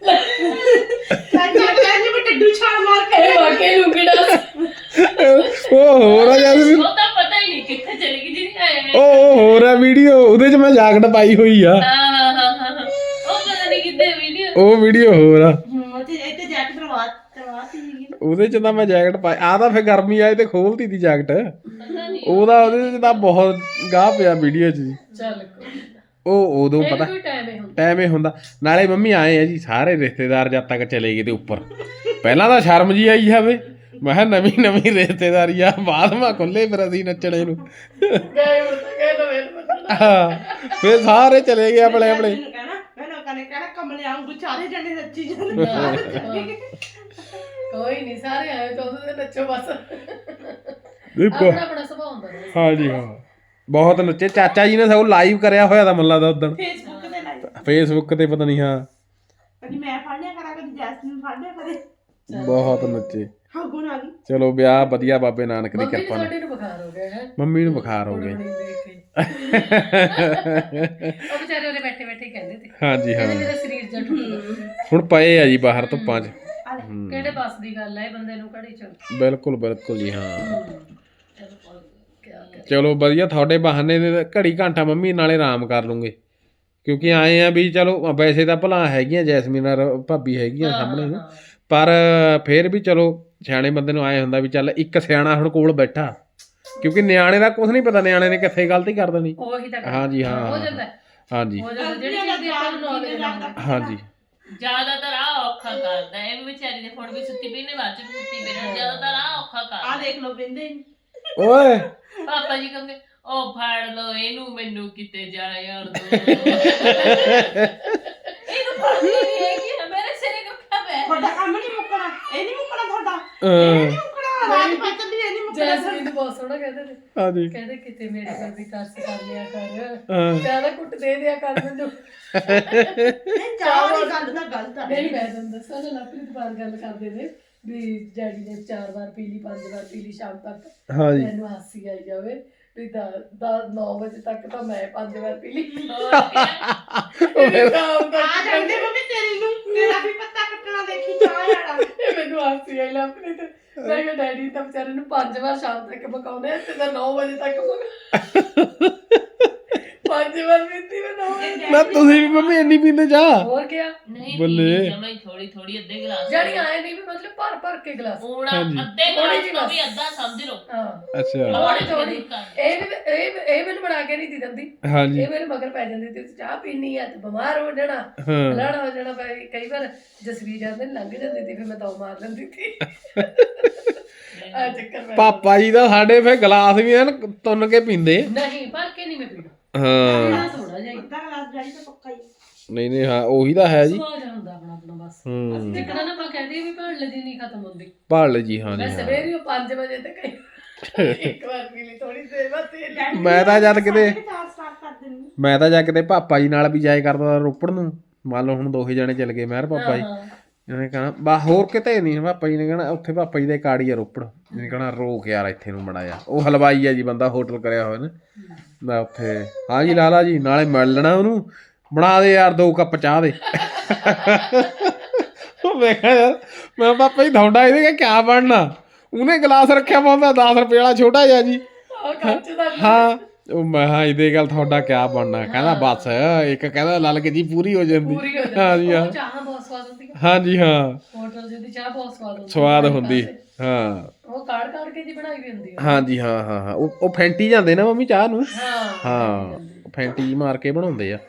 Speaker 4: ਚਾਚਾ ਕਹਿੰਦੇ ਮੈਂ ਟੱਡੂ ਛਾਲ ਮਾਰ ਕੇ
Speaker 3: ਇਹ ਵਾਕਈ ਲੁੰਗੀ ਡਾਂਸ।
Speaker 1: ਉਹ ਹੋਰ ਆ ਜਦ ਵੀ
Speaker 2: ਉਹ ਤਾਂ ਪਤਾ ਹੀ ਨਹੀਂ ਕਿੱਥੇ ਚਲੀ ਗਈ ਜਿਹਦੀ ਆਇਆ
Speaker 1: ਉਹ ਉਹ ਹੋਰ ਆ ਵੀਡੀਓ ਉਹਦੇ 'ਚ ਮੈਂ ਜਾਕਟ ਪਾਈ ਹੋਈ ਆ।
Speaker 2: ਹਾਂ ਹਾਂ ਹਾਂ ਹਾਂ ਹਾਂ। ਉਹ ਪਤਾ ਨਹੀਂ ਕਿੱਥੇ ਵੀਡੀਓ
Speaker 1: ਉਹ ਵੀਡੀਓ ਹੋਰ ਆ
Speaker 4: ਹੂੰ ਤੇ ਇੱਥੇ ਜੈਕਟ ਕਰਵਾ ਕਰਵਾਤੀ ਸੀਗੀ।
Speaker 1: ਉਹਦੇ 'ਚ ਤਾਂ ਮੈਂ ਜੈਕਟ ਪਾਈ ਆ ਤਾਂ ਫੇਰ ਗਰਮੀ ਆਏ ਤੇ ਖੋਲਤੀ ਦੀ ਜੈਕਟ।
Speaker 2: ਪਤਾ ਨਹੀਂ
Speaker 1: ਉਹਦਾ ਉਹਦੇ 'ਚ ਤਾਂ ਬਹੁਤ ਗਾਹ ਪਿਆ ਵੀਡੀਓ 'ਚ ਜੀ।
Speaker 3: ਚੱਲ ਕੋਈ ਨਾ।
Speaker 1: ਉਹ ਉਦੋਂ
Speaker 3: ਇਹ
Speaker 1: ਪਤਾ
Speaker 3: ਕੋਈ ਟਾਈਮ ਹੀ ਹੁੰਦਾ।
Speaker 1: ਟਾਈਮ ਹੀ ਹੁੰਦਾ। ਨਾਲੇ ਮੰਮੀ ਆਏ ਆ ਜੀ ਸਾਰੇ ਰਿਸ਼ਤੇਦਾਰ ਜਦ ਤੱਕ ਚਲੇ ਗਏ ਤੇ ਉੱਪਰ ਪਹਿਲਾਂ ਤਾਂ ਸ਼ਰਮ ਜੀ ਆਈ ਜਾਵੇ। ਮੈਂ ਕਿਹਾ ਨਵੀਂ ਨਵੀਂ ਰਿਸ਼ਤੇਦਾਰੀ ਆ ਬਾਅਦ ਮਾ ਖੁੱਲੇ ਫਿਰ ਅਸੀਂ ਨੱਚਣੇ ਨੂੰ।
Speaker 3: ਗਏ ਹੁਣ ਤਾਂ ਗਏ ਤਾਂ ਵੇਲ ਬੰਨਣਾ।
Speaker 1: ਹਾਂ ਫਿਰ ਸਾਰੇ ਚਲੇ ਗਏ ਆਪਣੇ ਆਪਣੇ।
Speaker 4: ਮੈਨੂੰ ਕਹਿਣਾ ਮੈਂ ਲੋਕਾਂ ਨੇ ਕਹਿਣਾ ਕਮਲੇ ਆਉਂਗੂ ਚਾਰੇ ਜਣੇ ਨੱਚੀ ਜਾਂਦੇ।
Speaker 3: ਕੋਈ ਨਹੀਂ ਸਾਰੇ ਆਏ ਤਾਂ ਉਹਦੇ ਤੇ ਨੱਚੋ ਬਸ।
Speaker 1: ਦੇਖੋ
Speaker 3: ਆਪਣਾ ਆਪਣਾ ਸੁਭਾਅ ਹੁੰਦਾ ਨਾ।
Speaker 1: ਹਾਂ ਜੀ ਹਾਂ ਬਹੁਤ ਨੱਚੇ। ਚਾਚਾ ਜੀ ਨੇ ਸਗੋਂ ਲਾਈਵ ਕਰਿਆ ਹੋਇਆ ਤਾਂ ਮੱਲਾ ਦਾ ਉਦੋਂ
Speaker 4: ਫੇਸਬੁੱਕ ਤੇ ਲਾਈਵ
Speaker 1: ਫੇਸਬੁੱਕ ਤੇ ਪਤਾ ਨਹੀਂ। ਹਾਂ
Speaker 4: ਕਦੀ ਮੈਂ ਫੜ ਲਿਆ ਕਰਾਂ ਕਦੀ ਜੈਸਮੀਨ ਫੜ ਲਿਆ ਕਰੇ।
Speaker 1: ਬਹੁਤ ਨੱਚੇ।
Speaker 4: ਹਾਂ ਗੁਣ ਆ ਗਈ
Speaker 1: ਚਲੋ ਵਿਆਹ ਵਧੀਆ ਬਾਬੇ ਨਾਨਕ ਦੀ
Speaker 3: ਮੰਮੀ ਨੂੰ
Speaker 1: ਕਿਰਪਾ ਨਾਲ।
Speaker 3: ਸਾਡੇ ਨੂੰ ਬੁਖਾਰ ਹੋ ਗਿਆ ਹੈ
Speaker 1: ਮੰਮੀ ਨੂੰ ਬੁਖਾਰ ਹੋ ਗਿਆ।
Speaker 3: ਉਹ ਵਿਚਾਰੇ ਉਹਦੇ ਬੈਠੇ ਬੈਠੇ ਕਹਿੰਦੇ ਤੇ
Speaker 1: ਹਾਂਜੀ ਹਾਂ,
Speaker 3: ਕਹਿੰਦੇ ਮੇਰਾ ਸਰੀਰ ਜੱਟ ਹੁੰਦਾ।
Speaker 1: ਹੁਣ ਪਏ ਆ ਜੀ ਬਾਹਰ ਧੁੱਪਾਂ 'ਚ। ਹੂੰ,
Speaker 3: ਕਿਹੜੇ ਬਸ ਦੀ ਗੱਲ ਹੈ ਇਹ ਬੰਦੇ ਨੂੰ ਘੜੀ ਚ
Speaker 1: ਬਿਲਕੁਲ ਬਿਲਕੁਲ ਜੀ ਹਾਂ।
Speaker 3: ਚਲੋ ਕਿਆ ਕਰੇ।
Speaker 1: ਚਲੋ ਵਧੀਆ, ਤੁਹਾਡੇ ਬਹਾਨੇ ਨੇ ਘੜੀ ਘੰਟਾ ਮੰਮੀ ਨਾਲੇ ਆਰਾਮ ਕਰ ਲੂੰਗੇ, ਕਿਉਂਕਿ ਆਏ ਆ ਵੀ ਚਲੋ ਵੈਸੇ ਤਾਂ ਭਲਾ ਹੈਗੀਆਂ ਜੈਸਮੀਨ ਔਰ ਭਾਬੀ ਹੈਗੀਆਂ ਸਾਹਮਣੇ ਨੂੰ, ਪਰ ਫੇਰ ਵੀ ਚਲੋ ਸਿਆਣੇ ਬੰਦੇ ਨੂੰ ਆਏ ਹੁੰਦਾ ਵੀ ਚੱਲ ਇੱਕ ਸਿਆਣਾ ਹੁਣ ਕੋਲ ਬੈਠਾ, ਕਿਉਂਕਿ ਨਿਆਣੇ ਦਾ ਕੁਝ ਨਹੀਂ ਪਤਾ ਨਿਆਣੇ ਨੇ ਕਿੱਥੇ ਗਲਤੀ ਕਰ ਦੇਣੀ।
Speaker 3: ਉਹੀ ਤਾਂ ਗੱਲ
Speaker 1: ਹਾਂਜੀ ਹਾਂ
Speaker 3: ਹੋ ਜਾਂਦਾ ਹੈ।
Speaker 1: ਹਾਂਜੀ
Speaker 3: ਹੋ ਜਾਂਦਾ ਜਿਹੜੀ ਚੀਜ਼ ਦੀ ਆਪਾਂ ਨੂੰ ਨੌਲੇਜ ਨਾ
Speaker 1: ਹਾਂਜੀ
Speaker 2: ਜ਼ਿਆਦਾਤਰ ਆ ਔਖਾ ਕਰਦਾ ਇਹ ਵੀ ਵਿਚਾਰੀ ਦੇ ਫੋਨ ਵੀ ਸੁੱਤੀ ਪਈ ਨੇ ਬਾਅਦ ਚ ਵੀ ਸੁੱਤੀ ਪਈ ਨੇ ਜ਼ਿਆਦਾਤਰ ਆ ਔਖਾ
Speaker 4: ਆ
Speaker 2: ਕਰਦਾ।
Speaker 4: ਦੇਖ ਲਓ ਬਿੰਦੇ
Speaker 1: ਓਏ
Speaker 2: ਪਾਪਾ ਜੀ ਕਹਿੰਦੇ ਉਹ ਫੜ ਲੋ ਇਹਨੂੰ ਮੈਨੂੰ ਕਿਤੇ ਜਾ ਯਾਰ ਦੋ ਇਹਨੂੰ ਫੜਦੀ ਨਹੀਂ ਹੈਗੀ ਮੇਰੇ ਸਿਰੇ ਕੱਖਾ ਪੈ
Speaker 4: ਤੁਹਾਡਾ ਕੰਮ ਨਹੀਂ ਮੁੱਕਣਾ, ਇਹ ਨਹੀਂ ਮੁੱਕਣਾ ਤੁਹਾਡਾ,
Speaker 1: ਅਹ,
Speaker 4: ਨਹੀਂ ਮੁੱਕਣਾ ਰਾਤ ਪੱਤ ਦੀ ਇਹ ਨਹੀਂ ਮੁੱਕਣਾ।
Speaker 3: ਜੈਸਮੀਨ ਨੂੰ ਬਹੁਤ ਸੋਹਣਾ ਕਹਿੰਦੇ ਨੇ,
Speaker 1: ਹਾਂਜੀ
Speaker 3: ਕਹਿੰਦੇ ਕਿਤੇ ਮੇਰੇ ਕੋਲ ਵੀ ਤਰਸ ਕਰ ਲਿਆ ਕਰ,
Speaker 1: ਹਾਂ।
Speaker 3: ਜ਼ਿਆਦਾ ਕੁੱਟ ਦੇ ਦਿਆ ਕਰ ਮੈਨੂੰ।
Speaker 4: ਇਹ ਚਾਹ ਵਾਲੀ ਗੱਲ ਤਾਂ ਗਲਤ ਆ।
Speaker 3: ਨਹੀਂ ਮੈਂ ਤੁਹਾਨੂੰ ਦੱਸਾਂ ਨਾ ਲਾਪਰੀ ਦੁਕਾਨ ਗੱਲ ਕਰਦੇ ਨੇ ਵੀ ਡੈਡੀ ਨੇ ਚਾਰ ਵਾਰ ਪੀ ਲਈ ਪੰਜ ਵਾਰ ਪੀ ਲਈ ਸ਼ਾਮ ਤੱਕ,
Speaker 1: ਹਾਂਜੀ
Speaker 3: ਮੈਨੂੰ ਹਾਸੀ ਆਈ ਜਾਵੇ ਵੀ ਨੌ ਵਜੇ ਤੱਕ ਤਾਂ ਮੈਂ ਪੰਜ ਵਾਰ ਪੀ ਲਈ।
Speaker 4: ਆ ਜਾਂਦੇ ਮੰਮੀ ਤੇਰੀ ਨੂੰ, ਤੇਰਾ ਵੀ ਪੱਤਾ ਕੱਟਣਾ ਦੇਖੀ ਚਾਹ ਵਾਲਾ।
Speaker 3: ਇਹ ਮੈਨੂੰ ਹਾਸੀ ਆਈ ਲਾਪਰੀ ਤੇ ਮੈਂ ਕਿਹਾ ਡੈਡੀ ਤਾਂ ਵਿਚਾਰੇ ਨੂੰ ਪੰਜ ਵਾਰ ਸ਼ਾਮ ਤੱਕ ਪਕਾਉਂਦੇ ਆ ਤੇ ਤਾਂ ਨੌ ਵਜੇ ਤੱਕ ਪਕਾ ਪੰਜ ਵਾਰ ਪੀਤੀ ਮੈਂ ਨੌ ਵਜੇ।
Speaker 1: ਨਾ ਤੁਸੀਂ ਵੀ ਮੰਮੀ ਇੰਨੀ ਪੀਂਦੇ ਚਾਹ?
Speaker 3: ਹੋਰ ਕਿਆ
Speaker 2: ਨਹੀਂ
Speaker 1: ਬੱਲੇ।
Speaker 2: ਜਮਾਈ ਥੋੜੀ ਥੋੜੀ ਅੱਧੇ ਗਲਾਸ
Speaker 3: ਜਿਹੜੀ ਆਏ ਨਹੀਂ ਵੀ ਮਤਲਬ ਭਰ ਭਰ ਕੇ ਗਲਾਸ।
Speaker 2: ਹੁਣ
Speaker 1: ਹਾਂਜੀ।
Speaker 2: ਅੱਧੇ ਗਲਾਸ ਤੋਂ ਵੀ ਅੱਧਾ ਸਮਝ ਲਓ।
Speaker 3: ਹਾਂ
Speaker 1: ਅੱਛਾ
Speaker 3: ਥੋੜੀ ਥੋੜੀ ਇਹ ਵੀ ਇਹ ਇਹ ਮੈਨੂੰ ਬਣਾ ਕੇ ਨਹੀਂ ਦੀ ਦਿੰਦੀ,
Speaker 1: ਹਾਂਜੀ
Speaker 3: ਇਹ ਮੇਰੇ ਮਗਰ ਪੈ ਜਾਂਦੀ ਤੇ ਚਾਹ ਪੀਣੀ ਆ ਤੇ ਬਿਮਾਰ ਹੋ ਜਾਣਾ
Speaker 1: ਹਾਂ
Speaker 3: ਲੜਾ ਹੋ ਜਾਣਾ। ਭਾਈ ਕਈ ਵਾਰ ਜਸਵੀਰ ਜਾਂਦੇ ਲੰਘ ਜਾਂਦੀ ਸੀ ਫਿਰ ਮੈਂ ਤਾਂ ਮਾਰ ਲੈਂਦੀ ਸੀ। ਆ ਚੱਕਰ ਪੈ
Speaker 1: ਪਾਪਾ ਜੀ ਦਾ ਸਾਡੇ ਫੇ ਗਲਾਸ ਵੀ ਐਨ ਤੁੰਨ ਕੇ ਪੀਂਦੇ।
Speaker 3: ਨਹੀਂ ਭਰ ਕੇ ਨਹੀਂ ਮੈਂ ਪੀਣਾ,
Speaker 1: ਹਾਂ
Speaker 3: ਪੀਣਾ ਥੋੜਾ ਜਿਹਾ ਹੀ।
Speaker 4: ਅੱਧਾ ਗਲਾਸ ਡੈਡੀ ਤਾਂ ਪੱਕਾ ਹੀ ਆ।
Speaker 1: ਨਹੀਂ ਨਹੀਂ ਹਾਂ ਉਹੀ ਤਾਂ ਹੈ ਜੀ।
Speaker 3: ਸਵਾਦ ਜਿਹਾ ਹੁੰਦਾ ਆਪਣਾ ਆਪਣਾ ਬਸ।
Speaker 1: ਹੂੰ
Speaker 3: ਜਿੱਕਣਾ ਨਾ ਆਪਾਂ ਕਹਦੇ ਵੀ ਭਾਣ ਲਦੀ ਨਹੀਂ ਖਤਮ ਹੁੰਦੀ।
Speaker 1: ਭਾਲ ਜੀ ਹਾਂ ਜੀ
Speaker 3: ਮੈਂ
Speaker 1: ਹਾਂ।
Speaker 3: ਸਵੇਰੇ ਹੀ ਪੰਜ ਵਜੇ ਤੱਕ ਇੱਕ ਵਾਰ ਪੀ ਲਈ ਥੋੜੀ ਦੇਰ ਬਾਅਦ ਤੇਲ
Speaker 4: ਡੈਡੀ
Speaker 1: ਮੈਂ ਤਾਂ ਜਦ ਕਿਤੇ
Speaker 4: ਚਾਹ ਸਟਾਰਟ ਕਰ ਦਿੰਦੀ।
Speaker 1: ਮੈਂ ਤਾਂ ਜਾ ਕਿਤੇ ਪਾਪਾ ਜੀ ਨਾਲ ਵੀ ਜਾਏ ਕਰਦਾ ਰੋਪੜ ਨੂੰ, ਮੰਨ ਲਓ ਹੁਣ ਦੋਹੇ ਜਣੇ ਚੱਲ ਗਏ ਮਹਿਰ ਪਾਪਾ ਜੀ, ਇਹਨੇ ਕਹਣਾ ਬਾ ਹੋਰ ਕਿਤੇ ਨਹੀਂ, ਪਾਪਾ ਜੀ ਨੇ ਕਹਿਣਾ ਉੱਥੇ ਪਾਪਾ ਜੀ ਦੇ ਕਾੜੀ ਆ ਰੋਪੜ, ਇਹਨੇ ਕਹਣਾ ਰੋਕ ਯਾਰ ਇੱਥੇ ਨੂੰ ਬਣਾਇਆ। ਉਹ ਹਲਵਾਈ ਆ ਜੀ ਬੰਦਾ, ਹੋਟਲ ਕਰਿਆ ਹੋਇਆ ਨੇ ਮੈਂ ਉੱਥੇ। ਹਾਂ ਜੀ ਲਾਲਾ ਜੀ ਨਾਲੇ ਮਿਲ ਲੈਣਾ ਉਹਨੂੰ, ਬਣਾ ਦੇ ਯਾਰ ਦੋ ਕੱਪ ਚਾਹ ਦੇ। ਮੈਂ ਕਿਹਾ ਯਾਰ ਮੈਂ ਪਾਪਾ ਜੀ ਤੁਹਾਡਾ ਇਹਦੇ ਕਿਆ ਬਣਨਾ, ਉਹਨੇ ਗਲਾਸ ਰੱਖਿਆ ਪਾਉਂਦਾ ਦਸ ਰੁਪਏ ਵਾਲਾ ਛੋਟਾ ਜਿਹਾ ਜੀ।
Speaker 3: ਉਹ ਕੱਚ ਦਾ
Speaker 1: ਹਾਂ ਉਹ ਮੈਂ ਹਾਂ ਇਹਦੇ ਗੱਲ ਤੁਹਾਡਾ ਕਿਆ ਬਣਨਾ, ਕਹਿੰਦਾ ਬਸ ਇੱਕ ਕਹਿੰਦਾ ਲਲਕ ਜੀ ਪੂਰੀ ਹੋ ਜਾਂਦੀ।
Speaker 3: ਪੂਰੀ ਹੋ
Speaker 1: ਹਾਂ ਜੀ
Speaker 3: ਜਾਂਦੀ।
Speaker 1: ਹਾਂ
Speaker 3: ਉਹ ਚਾਹ ਬਹੁਤ ਸਵਾਦ ਹੁੰਦੀ ਹੈ
Speaker 1: ਹਾਂਜੀ ਹਾਂ
Speaker 3: ਹੋਟਲ ਦੀ ਚਾਹ ਬਹੁਤ ਸਵਾਦ ਹੁੰਦੀ।
Speaker 1: ਸਵਾਦ ਹੁੰਦੀ ਹਾਂ
Speaker 3: ਉਹ ਕਾੜ ਕਾੜ ਕੇ ਜੀ ਬਣਾਈ ਵੀ ਹੁੰਦੀ ਹੈ।
Speaker 1: ਹਾਂਜੀ ਹਾਂ ਹਾਂ ਹਾਂ ਉਹ ਉਹ ਫੈਂਟੀ ਜਾਂਦੇ ਨਾ ਮੰਮੀ ਚਾਹ ਨੂੰ।
Speaker 3: ਹਾਂ
Speaker 1: ਹਾਂ ਫੈਂਟੀ ਜਿਹੀ ਮਾਰ ਕੇ ਬਣਾਉਂਦੇ ਆ।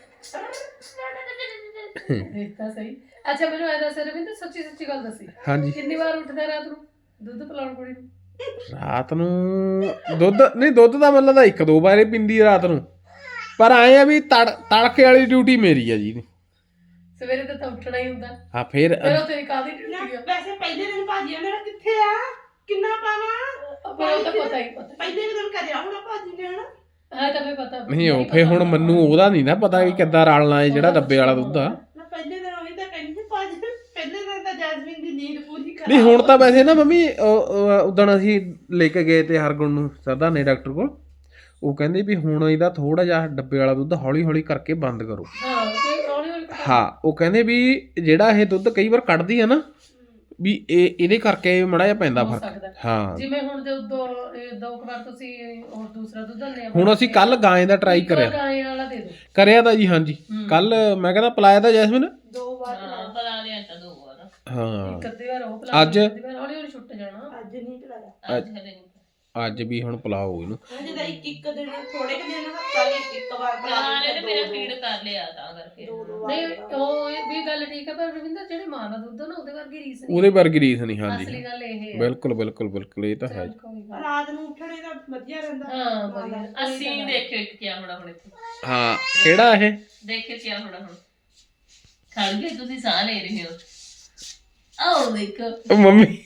Speaker 3: ਦੇਖਤਾ ਸਹੀ। ਅੱਛਾ ਮੈਨੂੰ ਐ ਦੱਸ ਰਵਿੰਦਰ ਸੱਚੀ ਸੱਚੀ ਗੱਲ ਦੱਸੀ,
Speaker 1: ਹਾਂਜੀ
Speaker 3: ਕਿੰਨੀ ਵਾਰ ਉੱਠਦਾ ਰਾਤ ਨੂੰ ਦੁੱਧ ਪਿਲਾਉਣ ਕੁੜੀ ਨੂੰ?
Speaker 1: ਰਾਤ ਨੂੰ ਦੁੱਧ ਨਹੀਂ, ਦੁੱਧ ਦਾ ਮਤਲਬ ਤਾਂ ਇੱਕ ਦੋ ਵਾਰੇ ਪੀਂਦੀ ਆ ਰਾਤ ਨੂੰ, ਪਰ ਆਏ ਆ ਵੀ ਤੜ ਤੜਕੇ ਵਾਲੀ ਡਿਊਟੀ ਮੇਰੀ ਆ ਜੀ।
Speaker 3: ਸਵੇਰੇ ਤਾਂ ਤਾਂ ਉੱਠਣਾ ਹੀ ਹੁੰਦਾ,
Speaker 1: ਹਾਂ ਫਿਰ
Speaker 3: ਫਿਰ ਉਹ ਤੇਰੀ ਕਾਹਦੀ
Speaker 4: ਨਾ,
Speaker 3: ਡਿਊਟੀ ਆ?
Speaker 4: ਵੈਸੇ ਪਹਿਲੇ ਦਿਨ ਭਾਜੀ ਮੇਰਾ ਕਿੱਥੇ ਆ, ਕਿੰਨਾ ਪਾਵਾਂ,
Speaker 3: ਪਰ ਉਹ ਤਾਂ ਪਤਾ ਹੀ ਪਤਾ
Speaker 4: ਪਹਿਲੇ ਦਿਨ ਕਰਿਆ ਹੋਣਾ ਭਾਜੀ ਨੇ ਹਨਾ।
Speaker 3: ਹਾਂ ਤਾਂ ਫੇ ਪਤਾ
Speaker 1: ਨਹੀਂ ਉਹ ਫੇ ਹੁਣ ਮੈਨੂੰ ਉਹਦਾ ਨਹੀਂ ਨਾ ਪਤਾ ਵੀ ਕਿੱਦਾਂ ਰਲਣਾ ਹੈ ਜਿਹੜਾ ਡੱਬੇ ਵਾਲਾ ਦੁੱਧ ਆ।
Speaker 4: ਨਾ ਪਹਿਲੇ ਦਿਨ ਉਹੀ ਤਾਂ ਕਹਿੰਦੀ ਭਾਜੀ ਪਹਿਲੇ ਦਿਨ ਤਾਂ ਜੈਸਮੀਨ ਦੀ ਨੀਂਦ ਪੂਰੀ ਕਰ।
Speaker 1: ਨਹੀਂ ਹੁਣ ਤਾਂ ਵੈਸੇ ਨਾ ਮੰਮੀ ਉਦਣ ਅਸੀਂ ਲੈ ਕੇ ਗਏ ਤੇ ਹਰਗੁਣ ਨੂੰ ਸਰਦਾਨੇ ਡਾਕਟਰ ਕੋਲ, ਉਹ ਕਹਿੰਦੇ ਵੀ ਹੁਣ ਇਹਦਾ ਥੋੜਾ ਜਿਹਾ ਡੱਬੇ ਵਾਲਾ ਦੁੱਧ ਹੌਲੀ ਹੌਲੀ ਕਰਕੇ ਬੰਦ ਕਰੋ।
Speaker 3: ਹਾਂ ਤੇ ਹੌਲੀ ਹੌਲੀ ਪਤਾ-
Speaker 1: ਹਾਂ ਉਹ ਕਹਿੰਦੇ ਵੀ ਜਿਹੜਾ ਇਹ ਦੁੱਧ ਕਈ ਵਾਰ ਕੱਢਦੀ ਆ ਨਾ ਵੀ ਇਹ ਇਹਦੇ ਕਰਕੇ ਮੜਾ ਜਿਹਾ ਪੈਂਦਾ
Speaker 3: ਹੋ
Speaker 1: ਫਰਕ।
Speaker 3: ਸਕਦਾ।
Speaker 1: ਹਾਂ
Speaker 3: ਜਿਵੇਂ ਹੁਣ ਦੇ ਦੋ ਦੋ ਕੁ ਵਾਰ ਤੁਸੀਂ ਹੋਰ ਦੂਸਰਾ ਦੁੱਧ ਦਿੰਦੇ ਆ
Speaker 1: ਹੁਣ ਅਸੀਂ ਕੱਲ ਗਾਂ ਦਾ ਟਰਾਈ ਕਰਿਆ
Speaker 3: ਗਾਂ ਵਾਲਾ ਦੇ ਦੋ
Speaker 1: ਕਰਿਆ ਤਾਂ ਜੀ ਹਾਂਜੀ ਕੱਲ ਮੈਂ ਕਹਿੰਦਾ ਪਲਾਇਆ ਤਾਂ ਜੈਸਮੀਨ।
Speaker 3: ਦੋ ਵਾਰ
Speaker 2: ਹਾਂ ਬਣਾ ਲਿਆ ਤਾਂ ਦੋ ਵਾਰ
Speaker 1: ਹਾਂ
Speaker 3: ਇੱਕ ਅੱਧੀ ਵਾਰ ਉਹ ਪਿਲਾ
Speaker 1: ਅੱਜ-
Speaker 3: ਦਿੰਦੀ, ਅੱਧੀ ਵਾਰ ਹੌਲੀ ਹੌਲੀ ਛੁੱਟ ਜਾਣਾ।
Speaker 4: ਅੱਜ ਨਹੀਂ ਕਰਾਇਆ,
Speaker 2: ਅੱਜ ਹਲੇ ਨਹੀਂ
Speaker 1: ਅੱਜ ਵੀ ਹੁਣ ਪਲਾਓ ਇਹਨੂੰ।
Speaker 4: ਅੱਜ ਦਾ ਇੱਕ ਇੱਕ ਦਿਨ ਥੋੜੇ ਕੁ ਦਿਨ ਹਫਤਾ ਲਈ ਇੱਕ ਵਾਰ ਬਣਾ
Speaker 2: ਬਣਾ ਲਿਆ ਤੇ
Speaker 4: ਦੋ-
Speaker 2: ਮੇਰਾ
Speaker 4: ਦੋ-
Speaker 2: ਫੀਡ ਕਰ ਲਿਆ ਤਾਂ ਕਰਕੇ
Speaker 4: ਦੋ ਦੋ ਵਾਰ
Speaker 3: ਨਹੀਂ
Speaker 4: ਬਣਾ।
Speaker 3: ਉਹ ਇਹ ਵੀ ਗੱਲ ਠੀਕ ਹੈ, ਪਰ ਰਵਿੰਦਰ ਜਿਹੜੇ ਮਾਂ ਦਾ ਦੁੱਧ ਆ ਨਾ ਉਹਦੇ ਵਰਗੀ ਰੀਸ ਨਹੀਂ।
Speaker 1: ਉਹਦੇ ਵਰਗੀ ਰੀਸ ਨਹੀਂ। ਹਾਂਜੀ
Speaker 3: ਅਸਲੀ ਗੱਲ ਇਹ ਹੈ।
Speaker 1: ਬਿਲਕੁਲ ਬਿਲਕੁਲ ਬਿਲਕੁਲ ਇਹ ਤਾਂ ਹੈ ਜੀ।
Speaker 3: ਕੋਈ ਗੱਲ
Speaker 4: ਰਾਤ ਨੂੰ ਉੱਠਣੇ ਦਾ ਵਧੀਆ ਰਹਿੰਦਾ।
Speaker 3: ਹਾਂ ਵਧੀਆ।
Speaker 2: ਅਸੀਂ ਦੇਖਿਓ ਇੱਕ ਕਿਆ ਹੋਣਾ ਹੁਣ ਇੱਥੇ
Speaker 1: ਹਾਂ ਕਿਹੜਾ ਇਹ
Speaker 2: ਦੇਖਿਓ ਕਿਆ ਹੋਣਾ ਹੁਣ। ਖੜ ਗਏ ਤੁਸੀਂ ਸਾਹ ਲੈ ਰਹੇ ਹੋ। ਆਓ ਦੇਖੋ
Speaker 1: ਉਹ ਮੰਮੀ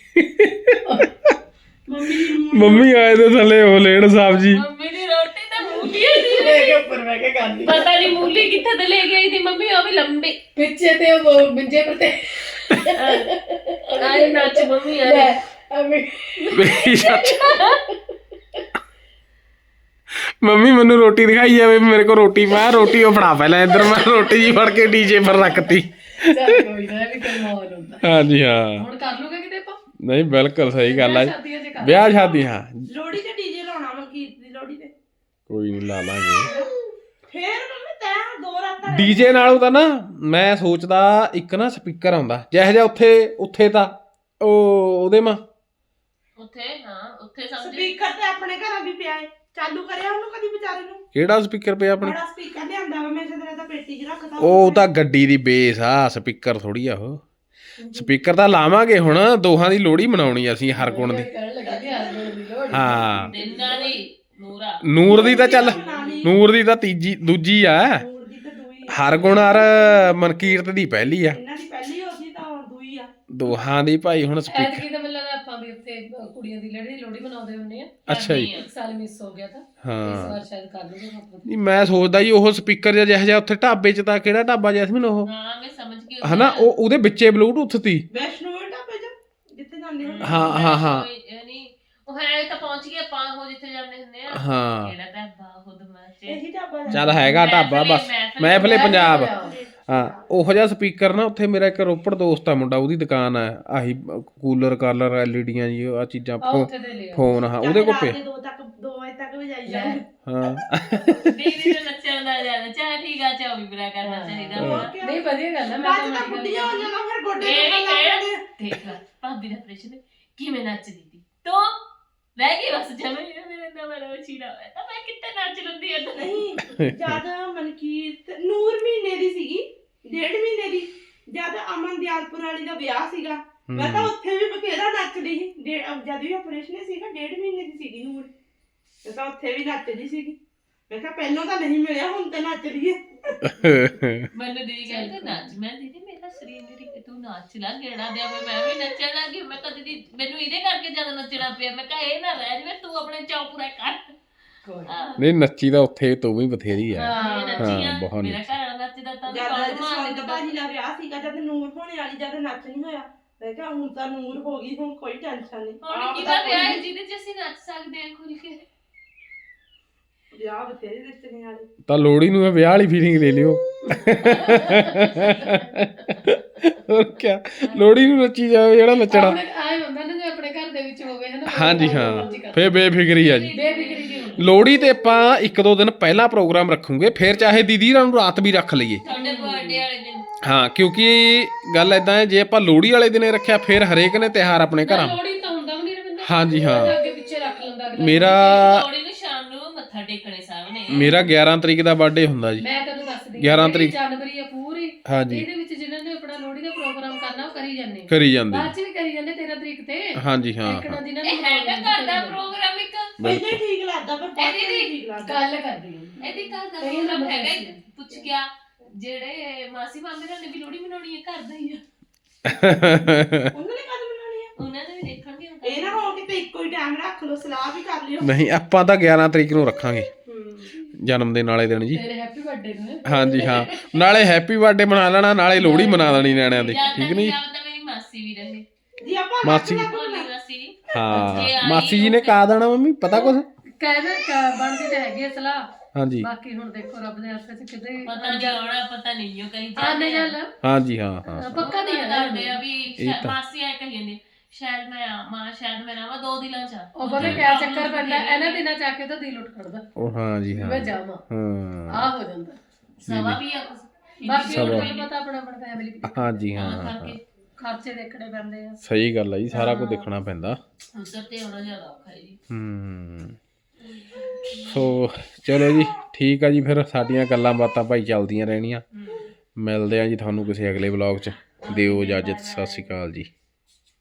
Speaker 4: ਮੰਮੀ ਨੂੰ
Speaker 1: ਮੰਮੀ ਆਏ ਤੇ ਥੱਲੇ ਉਹ ਲੈਣ ਸਬਜੀ।
Speaker 2: ਮੰਮੀ ਦੀ ਰੋਟੀ ਤਾਂ ਮੂਲੀ ਦੀ
Speaker 3: ਲੈ ਕੇ ਉੱਪਰ ਬਹਿ ਕੇ ਖਾਂਦੀ
Speaker 2: ਪਤਾ ਨਹੀਂ ਮੂਲੀ ਕਿੱਥੇ ਤੇ ਲੈ ਗਈ ਥੀ ਮੰਮੀ, ਉਹ ਵੀ ਲੰਬੀ
Speaker 3: ਪਿੱਛੇ ਤੇ ਉਹ ਬਿੰਜੇ ਪਰ ਤੇ
Speaker 2: ਆਏ ਨੱਚ ਮੰਮੀ ਆ
Speaker 3: ਲੈ ਐਵੇਂ
Speaker 1: ਮੇਰੀ ਸੱਚ ਮੰਮੀ ਮੈਨੂੰ ਰੋਟੀ ਦਿਖਾਈ ਜਾਵੇ ਮੇਰੇ ਕੋਲ ਰੋਟੀ ਮੈਂ ਰੋਟੀ ਉਹ ਫੜਾ ਪਹਿਲਾਂ ਇੱਧਰ ਮੈਂ ਰੋਟੀ ਜੀ ਫੜ ਕੇ ਡੀਜੇ ਪਰ ਰੱਖਤੀ
Speaker 3: ਚੱਲ ਕੋਈ ਨਾ ਇਹ ਵੀ ਕੋਈ ਮਾਹੌਲ ਹੁੰਦਾ
Speaker 1: ਹਾਂਜੀ ਹਾਂ
Speaker 3: ਹੁਣ ਕਰ ਲੂਗੇ ਕਿਤੇ ਆਪਾਂ
Speaker 1: ਨਹੀਂ ਬਿਲਕੁਲ ਸਹੀ ਗੱਲ ਆ ਜੀ।
Speaker 3: ਸ਼ਾਦੀਆਂ 'ਚ ਕਰ
Speaker 1: ਵਿਆਹ ਸ਼ਾਦੀ ਹਾਂ
Speaker 4: ਲੋੜੀ ਤੇ ਡੀਜੇ ਲਾਉਣਾ ਮਲਕੀਤ ਦੀ ਲੋੜੀ ਤੇ
Speaker 1: ਕੋਈ ਨਹੀਂ ਲਾ ਲਾਂਗੇ
Speaker 4: ਫੇਰ ਮੰਮੀ ਤੈਂ ਦੋ ਰਾਤਾਂ
Speaker 1: ਡੀਜੇ ਨਾਲੋਂ ਤਾਂ ਨਾ ਮੈਂ ਸੋਚਦਾ ਇੱਕ ਨਾ ਸਪੀਕਰ ਆਉਂਦਾ ਜਿਹੋ ਜਿਹਾ ਉੱਥੇ ਉੱਥੇ ਤਾਂ ਉਹ ਉਹਦੇ ਮਾ
Speaker 2: ਉੱਥੇ ਹਾਂ ਉੱਥੇ ਸਮਝ
Speaker 4: ਸਪੀਕਰ ਤੇ ਆਪਣੇ ਘਰਾਂ ਵੀ ਪਿਆ ਏ ਚਾਲੂ ਕਰਿਆ ਉਹਨੂੰ ਕਦੀ ਵਿਚਾਰੇ ਨੂੰ
Speaker 1: ਕਿਹੜਾ ਸਪੀਕਰ ਪਿਆ ਆਪਣੇ
Speaker 4: ਬੜਾ ਸਪੀਕਰ ਲਿਆਂਦਾ ਵਾ ਮੈਂ ਜਦੋਂ ਤਾਂ ਪੇਟੀ 'ਚ ਰੱਖਦਾ
Speaker 1: ਉਹ ਤਾਂ ਗੱਡੀ ਦੀ ਬੇਸ ਆ ਸਪੀਕਰ ਥੋੜੀ ਆ ਉਹ ਸਪੀਕਰ ਤਾਂ ਲਾਵਾਂਗੇ ਹੁਣ ਦੋਹਾਂ ਦੀ ਲੋਹੜੀ ਮਨਾਉਣੀ ਅਸੀਂ ਹਰ ਗੁਣ ਦੀ
Speaker 3: ਕਹਿਣ ਲੱਗਾ ਕਿ ਹਰ ਗੁਣ ਦੀ ਲੋੜ
Speaker 1: ਹਾਂ
Speaker 2: ਦਿਨਾਂ ਦੀ ਨੂਰਾ
Speaker 1: ਨੂਰ ਦੀ ਤਾਂ ਚੱਲ ਨੂਰ ਦੀ ਤਾਂ ਤੀਜੀ ਦੂਜੀ ਆ
Speaker 4: ਨੂਰ ਦੀ ਤੇ ਦੂਈ
Speaker 1: ਹਰ ਗੁਣ ਹਰ ਮਨਕੀਰਤ ਦੀ ਪਹਿਲੀ ਆ
Speaker 4: ਇਹਨਾਂ ਦੀ ਪਹਿਲੀ ਹੋ ਸੀ ਤਾਂ ਦੂਈ ਆ
Speaker 1: ਦੋਹਾਂ ਦੀ ਭਾਈ ਹੁਣ ਸਪੀਕਰ
Speaker 3: ਐਤਕੀ ਤਾਂ ਮੈਨੂੰ ਲੱਗਦਾ ਆਪਾਂ ਵੀ ਉੱਥੇ ਕੁੜੀਆਂ ਦੀ ਲੜੀ ਲੋਹੜੀ ਮਨਾਉਂਦੇ ਹੁੰਦੇ ਆ
Speaker 1: ਅੱਛਾ ਜੀ
Speaker 3: ਇੱਕ ਸਾਲ ਮਿਸ ਹੋ ਗਿਆ ਤਾਂ ਇਸ
Speaker 1: ਹਾਂ
Speaker 3: ਵਾਰ ਸ਼ਾਇਦ ਕਰ ਲੂਗੇ ਆਪਾਂ
Speaker 1: ਨਹੀਂ ਮੈਂ ਸੋਚਦਾ ਜੀ ਉਹ ਸਪੀਕਰ ਜਿਹਾ ਜਿਹੋ ਜਿਹਾ ਉੱਥੇ ਢਾਬੇ 'ਚ ਤਾਂ ਕਿਹੜਾ ਢਾਬਾ ਜੈਸਮੀਨ ਉਹ
Speaker 2: ਹਾਂ ਮੈਂ ਸਮਝ ਗਈ
Speaker 1: ਹਨਾ ਉਹ ਉਹਦੇ ਵਿੱਚੇ ਬਲੂਟੁੱਥ ਤੀ
Speaker 4: ਵੈਸ਼ਨੋ ਢਾਬੇ 'ਚ ਜਿੱਥੇ ਜਾਂਦੇ ਹੁੰਦੇ
Speaker 1: ਹਾਂ ਹਾਂ ਹਾਂ
Speaker 2: ਨਹੀਂ ਉਹ ਹੈ ਤਾਂ ਪਹੁੰਚ ਗਏ ਆਪਾਂ ਉਹ ਜਿੱਥੇ ਜਾਂਦੇ ਹੁੰਦੇ ਆ
Speaker 1: ਹਾਂ
Speaker 2: ਕਿਹੜਾ ਢਾਬਾ ਖੁਦ ਮਾਚੇ
Speaker 4: ਇਹੀ ਢਾਬਾ
Speaker 1: ਚੱਲ ਹੈਗਾ ਢਾਬਾ ਬਸ ਮਹਿਫਲੇ ਪੰਜਾਬ ਹਾਂ ਉਹੋ ਜਿਹਾ ਸਪੀਕਰ ਨਾ ਉੱਥੇ ਮੇਰਾ ਇੱਕ ਰੋਪੜ ਦੋਸਤ ਆ ਮੁੰਡਾ ਉਹਦੀ ਦੁਕਾਨ ਆ ਆਹੀ ਕੂਲਰ ਕਾਲਰ ਐਲਈਡੀਆਂ ਜੀ ਆ ਚੀਜ਼ਾਂ
Speaker 3: ਆ ਉੱਥੇ ਦੇ ਲਿਆ
Speaker 1: ਫੋਨ ਹਾਂ ਉਹਦੇ ਕੋਲ ਪਿਆ
Speaker 4: ਦੋ ਤੱਕ ਦੋ ਵਜੇ ਤੱਕ ਵੀ ਜਾਈ ਜਾਂਦੇ
Speaker 1: ਹਾਂ
Speaker 2: ਦੀਦੀ ਨੂੰ ਨੱਚਣ ਦਾ ਜ਼ਿਆਦਾ ਚਾਹ ਠੀਕ ਆ ਚਾਹ ਵੀ ਬੁਰਾ ਕਰਨਾ ਚਾਹੀਦਾ ਵਾ।
Speaker 3: ਨਹੀਂ ਵਧੀਆ ਗੱਲ ਹੈ ਮੈਂ
Speaker 4: ਬਾਅਦ
Speaker 3: ਤਾਂ
Speaker 4: ਤਾਂ
Speaker 3: ਮਾੜੀ ਗੱਲ
Speaker 4: ਬੁੱਢੀਆਂ ਹੋ ਜਾਣਾ ਫਿਰ ਗੋਡੇ
Speaker 2: ਇਹ
Speaker 4: ਦੁਖਣ ਲੱਗ ਜਾਂਦੇ ਆ।
Speaker 2: ਦੇਖ ਲੈ ਭਾਬੀ ਦਾ ਪ੍ਰਸ਼ਨ ਕਿਵੇਂ ਨੱਚਦੀ ਤੀ ਤੋ ਰਹਿ ਗਈ ਬਸ ਜਮੇ ਹੀ ਮੇਰੇ ਨਾਲ ਮੇਰਾ ਵਚੀਰਾ ਹੋਇਆ ਤਾਂ ਮੈਂ ਕਿੱਥੇ ਨੱਚ ਲੰਦੀ ਐ
Speaker 4: ਨਹੀਂ ਜਿਆਦਾ ਮਨਕੀਰਤ ਨੂਰ ਮਹੀਨੇ ਦੀ ਸੀਗੀ ਡੇਢ ਮਹੀਨੇ ਦੀ ਜਦ ਅਮਨ ਦਿਆਲਪੁਰ ਵਾਲੀ ਦਾ ਵਿਆਹ ਸੀਗਾ ਮੈਂ ਤਾਂ ਉੱਥੇ ਵੀ ਬਥੇਰਾ ਨੱਚਦੀ ਸੀ ਡੇ- ਜਦ ਵੀ ਆਪਰੇਸ਼ਨ ਸੀਗਾ ਡੇਢ ਮਹੀਨੇ ਦੀ ਸੀਗੀ ਨੂਰ ਮੈਂ ਤਾਂ ਉੱਥੇ ਵੀ ਨੱਚਦੀ ਸੀਗੀ ਮੈਂ ਕਿਹਾ ਪਹਿਲਾਂ ਤਾਂ ਨਹੀਂ ਮਿਲਿਆ ਹੁਣ ਤੇ ਨੱਚ ਰਹੀ ਹੈ
Speaker 2: ਮੈਨੂੰ ਦੀਦੀ ਕਹਿੰਦੇ ਨੱਚ ਮੈਂ ਦੀਦੀ ਮੇਰਾ ਸਰੀਰ ਮੇਰੀ ਤੂੰ ਨੱਚ ਲਾ ਗੇੜਾ ਦੇ ਮੈਂ ਵੀ ਨੱਚਣ ਲੱਗੀ ਮੈਂ ਕਹ ਦੀਦੀ ਮੈਨੂੰ ਇਹਦੇ ਕਰਕੇ ਜ਼ਿਆਦਾ ਨੱਚਣਾ ਪਿਆ ਮੈਂ ਕਿਹਾ ਇਹ ਨਾ ਰਹਿ ਜਵੇ ਤੂੰ ਆਪਣੇ ਚਾਅ ਪੂਰਾ ਕਰ
Speaker 3: ਕੋਈ
Speaker 1: ਨਹੀਂ ਨੱਚੀ ਤਾਂ ਉੱਥੇ ਤੂੰ ਵੀ ਬਥੇਰੀ ਆ
Speaker 2: ਇਹ ਨੱਚੀ ਆ
Speaker 1: ਹਾਂ, ਬਹੁਤ
Speaker 2: ਮੇਰਾ ਘਰ ਵਾਲਾ ਨੱਚਦਾ ਤਾਂ
Speaker 4: ਜਦ
Speaker 2: ਬਹੁਤ ਮਾਰਦੇ
Speaker 4: ਜਸਵੰਤ ਭਾਜੀ ਦਾ ਵਿਆਹ ਸੀਗਾ ਜਦ ਨੂਰ ਹੋਣੇ ਵਾਲੀ ਜਦ ਨੱਚ ਨਹੀਂ ਹੋਇਆ ਮੈਂ ਕਿਹਾ ਹੁਣ ਤਾਂ ਨੂਰ ਹੋ ਗਈ ਹੁਣ ਕੋਈ ਟੈਨਸ਼ਨ ਨਹੀਂ
Speaker 2: ਹੁਣ
Speaker 4: ਆਪ
Speaker 2: ਕਿਹਦਾ
Speaker 4: ਤਾਂ
Speaker 2: ਵਿਆਹ ਹੈ
Speaker 4: ਕੋਈ
Speaker 2: ਜਿਹਦੇ ਚ ਅਸੀਂ ਨੱਚ ਸਕਦੇ ਹਾਂ ਖੁੱਲ ਕੇ
Speaker 4: ਵਿਆਹ ਬਥੇਰੇ ਰਿਸ਼ਤੇ ਵਾਲੇ
Speaker 1: ਤਾਂ ਲੋਹੜੀ ਨੂੰ ਵਿਆਹ ਵਾਲੀ ਫੀਲਿੰਗ ਲੈ ਲਿਓ ਹੋਰ ਕੀ ਲੋਹੜੀ ਨੂੰ ਨੱਚੀ ਜਾਵੇ ਜਿਹੜਾ ਨੱਚਣਾ
Speaker 3: ਆਪਣੇ ਆਏ ਹੁੰਦਾ ਨਾ ਜੇ ਆਪਣੇ ਘਰ ਦੇ ਵਿੱਚ ਹੋਵੇ ਹੈ ਨਾ
Speaker 1: ਹਾਂਜੀ ਹਾਂ ਫੇਰ ਬੇਫਿਕਰੀ ਆ ਜੀ
Speaker 3: ਬੇਫਿਕਰੀ ਜੀ ਹੁੰਦੀ
Speaker 1: ਲੋਹੜੀ ਤੇ ਆਪਾਂ ਇੱਕ ਦੋ ਦਿਨ ਪਹਿਲਾਂ ਪ੍ਰੋਗਰਾਮ ਰੱਖੂਗੇ ਫਿਰ ਚਾਹੇ ਦੀਦੀ ਨੂੰ ਰਾਤ ਵੀ ਰੱਖ ਲਈਏ
Speaker 2: ਤੁਹਾਡੇ ਬਰਥਡੇ ਵਾਲੇ ਦਿਨ
Speaker 1: ਹਾਂ ਕਿਉਂਕਿ ਗੱਲ ਇਦਾਂ ਹੈ ਜੇ ਆਪਾਂ ਲੋਹੜੀ ਵਾਲੇ ਦਿਨੇ ਰੱਖਿਆ ਫਿਰ ਹਰੇਕ ਨੇ ਤਿਉਹਾਰ ਆਪਣੇ ਘਰਾਂ
Speaker 3: ਲੋੜੀ ਤਾਂ ਹੁੰਦਾ ਵੀ ਨਹੀਂ ਰਵਿੰਦਰ
Speaker 1: ਹਾਂਜੀ ਹਾਂ
Speaker 3: ਅੱਗੇ ਪਿੱਛੇ ਰੱਖ ਲੈਂਦਾ ਅਗਲਾ
Speaker 1: ਮੇਰਾ
Speaker 2: ਲੋੜੀ ਨੂੰ ਸ਼ਾਮ ਨੂੰ ਮੱਥਾ ਟੇਕਣੇ ਸਾਹਮਣੇ
Speaker 1: ਮੇਰਾ ਗਿਆਰਾਂ ਤਰੀਕ ਦਾ ਬਰਥਡੇ ਹੁੰਦਾ ਜੀ
Speaker 3: ਮੈਂ ਤੈਨੂੰ ਦੱਸਦੀ
Speaker 1: ਗਿਆਰਾਂ ਤਰੀਕ।
Speaker 3: ਜਨਵਰੀ ਆ ਪੂਰੀ
Speaker 1: ਹਾਂਜੀ
Speaker 3: ਇਹਦੇ ਵਿੱਚ ਜਿਨ੍ਹਾਂ ਨੇ ਆਪਣਾ ਲੋਹੜੀ ਦਾ ਪ੍ਰੋਗਰਾਮ ਕਰਨਾ ਉਹ ਕਰੀ ਜਾਂਦੇ
Speaker 1: ਕਰੀ ਜਾਂਦੇ
Speaker 3: ਬਾਅਦ ਚ ਵੀ ਕਰੀ ਜਾਂਦੇ ਤੇਰਾਂ ਤਰੀਕ ਤੇ
Speaker 1: ਹਾਂਜੀ ਹਾਂ
Speaker 3: ਇੱਕ
Speaker 1: ਹਾਂ
Speaker 3: ਨਾ ਦਿਨਾਂ
Speaker 2: ਇਹ ਹੈਗਾ ਘਰ ਦਾ ਪ੍ਰੋਗਰਾਮ ਇੱਕ
Speaker 4: ਪਹਿਲੇ ਠੀਕ ਲੱਗਦਾ ਪਰ ਬਾਅਦ
Speaker 2: ਇਹਦੀ
Speaker 4: ਵਿੱਚ ਠੀਕ ਲੱਗਦਾ
Speaker 3: ਗੱਲ ਕਰਦੀ ਹਾਂ
Speaker 2: ਇਹਦੀ ਘਰ ਦਾ
Speaker 3: ਕਈ
Speaker 2: ਪ੍ਰੋਗਰਾਮ
Speaker 3: ਲੋਕ
Speaker 2: ਹੈਗਾ
Speaker 3: ਐਸੇ
Speaker 2: ਹੀ। ਪੁੱਛ ਗਿਆ ਜਿਹੜੇ ਮਾਸੀ ਮਾਮੇ ਨਾਲ ਨੇ ਵੀ ਲੋੜੀ ਮਨਾਉਣੀ ਹੈ ਘਰ ਦਾ ਹੀ ਆ
Speaker 4: ਉਹਨਾਂ ਨੇ ਕਦ ਬਣਾਉਣੀ ਆ
Speaker 2: ਉਹਨਾਂ ਨੇ ਵੀ ਦੇਖਣਗੇ ਹੁਣ
Speaker 4: ਇਹ ਨਾ ਹੋ ਕਿਤੇ ਇੱਕੋ ਹੀ ਟਾਈਮ ਰੱਖ ਲਓ ਸਲਾਹ ਵੀ ਕਰ ਲਿਓ
Speaker 1: ਨਹੀਂ ਆਪਾਂ ਤਾਂ ਗਿਆਰਾਂ ਤਰੀਕ ਨੂੰ ਰੱਖਾਂਗੇ ਜਨਮ ਦਿਨ ਵਾਲੇ ਦਿਨ ਜੀ
Speaker 3: ਤੇਰੇ ਹੈਪੀ ਬਰਥਡੇ ਨੂੰ
Speaker 1: ਹਾਂਜੀ ਹਾਂ ਨਾਲੇ ਹੈਪੀ ਬਰਥਡੇ ਮਨਾ ਲੈਣਾ ਨਾਲੇ ਲੋਹੜੀ ਮਨਾ ਲੈਣੀ ਨਿਆਣਿਆਂ ਦੀ
Speaker 2: ਜਾਂ
Speaker 1: ਠੀਕ
Speaker 2: ਤਾਂ
Speaker 1: ਨਹੀਂ
Speaker 2: ਜਾਂ ਤਾਂ ਮੇਰੀ ਮਾਸੀ ਵੀ ਰਹੇ
Speaker 4: ਜੀ ਆਪਾਂ
Speaker 1: ਮਾਸੀ।
Speaker 4: ਲੱਗ ਲੱਗ
Speaker 2: ਭੋਲੀ ਮਾਸੀ
Speaker 1: ਹਾਂ ਮਾਸੀ ਜੀ ਨੇ ਕਾ ਦੇਣਾ ਮੰਮੀ ਪਤਾ ਕੁਛ
Speaker 3: ਕਹਿੰਦੇ ਬਣਦੀ ਤੇ ਹੈਗੀ ਆ ਸਲਾਹ
Speaker 1: ਹਾਂਜੀ
Speaker 3: ਬਾਕੀ ਹੁਣ ਦੇਖੋ ਰੱਬ ਦੇ ਹੱਥ 'ਚ ਕਿਤੇ
Speaker 2: ਪਤਾ ਨਹੀਂ ਆਉਣਾ ਪਤਾ ਨਹੀਂ ਉਹ ਕਹੀਂ
Speaker 3: ਆਨੇ ਚੱਲ
Speaker 1: ਹਾਂਜੀ ਹਾਂ ਹਾਂ
Speaker 3: ਪੱਕਾ ਨਹੀਂ ਹੈ
Speaker 2: ਕਰਦੇ ਆ ਵੀ ਸ਼ਾਇਦ ਮਾਸੀ ਆ ਕਹੀ ਜਾਂਦੀ ਸ਼ਾਇਦ ਮੈਂ ਆਵਾਂ ਸ਼ਾਇਦ ਮੈਂ ਆਵਾਂ ਦੋ ਦਿਨਾਂ ਚ ਆ।
Speaker 3: ਉਹ ਪਤਾ ਕਿਆ ਚੱਕਰ ਪੈਂਦਾ ਇਹਨਾਂ ਦਿਨਾਂ ਚ ਆ ਕੇ ਤਾਂ ਦਿਲ ਉੱਠ ਖੜਦਾ
Speaker 1: ਉਹ ਹਾਂਜੀ ਹਾਂ
Speaker 3: ਮੈਂ ਜਾਵਾਂ
Speaker 1: ਹਾਂ
Speaker 3: ਆ ਹੋ ਜਾਂਦਾ
Speaker 2: ਸਵਾ ਵੀ ਆ ਕੁਛ
Speaker 3: ਬਾਕੀ ਹੁਣ ਤੁਹਾਨੂੰ ਪਤਾ ਆਪਣਾ ਆਪਣਾ ਫੈਮਿਲੀ
Speaker 1: ਹਾਂਜੀ ਹਾਂ
Speaker 2: ਤਾਂ
Speaker 1: ਹਾਂ
Speaker 2: ਕਰਕੇ
Speaker 3: ਖਰਚੇ ਦੇਖਣੇ ਪੈਂਦੇ ਆ
Speaker 1: ਸਹੀ ਗੱਲ ਹੈ ਜੀ ਸਾਰਾ ਕੁਝ ਦੇਖਣਾ ਪੈਂਦਾ
Speaker 2: ਉਧਰ ਤੇ ਆਉਣਾ ਜ਼ਿਆਦਾ ਔਖਾ ਹੈ ਜੀ
Speaker 1: ਹੂੰ ਸੋ ਚਲੋ ਜੀ ਠੀਕ ਆ ਜੀ ਫਿਰ ਸਾਡੀਆਂ ਗੱਲਾਂ ਬਾਤਾਂ ਭਾਈ ਚੱਲਦੀਆਂ ਰਹਿਣੀਆਂ ਮਿਲਦੇ ਆ ਜੀ ਤੁਹਾਨੂੰ ਕਿਸੇ ਅਗਲੇ ਵਲੌਗ 'ਚ ਦਿਓ ਇਜਾਜ਼ਤ ਸਤਿ ਸ਼੍ਰੀ ਅਕਾਲ ਜੀ।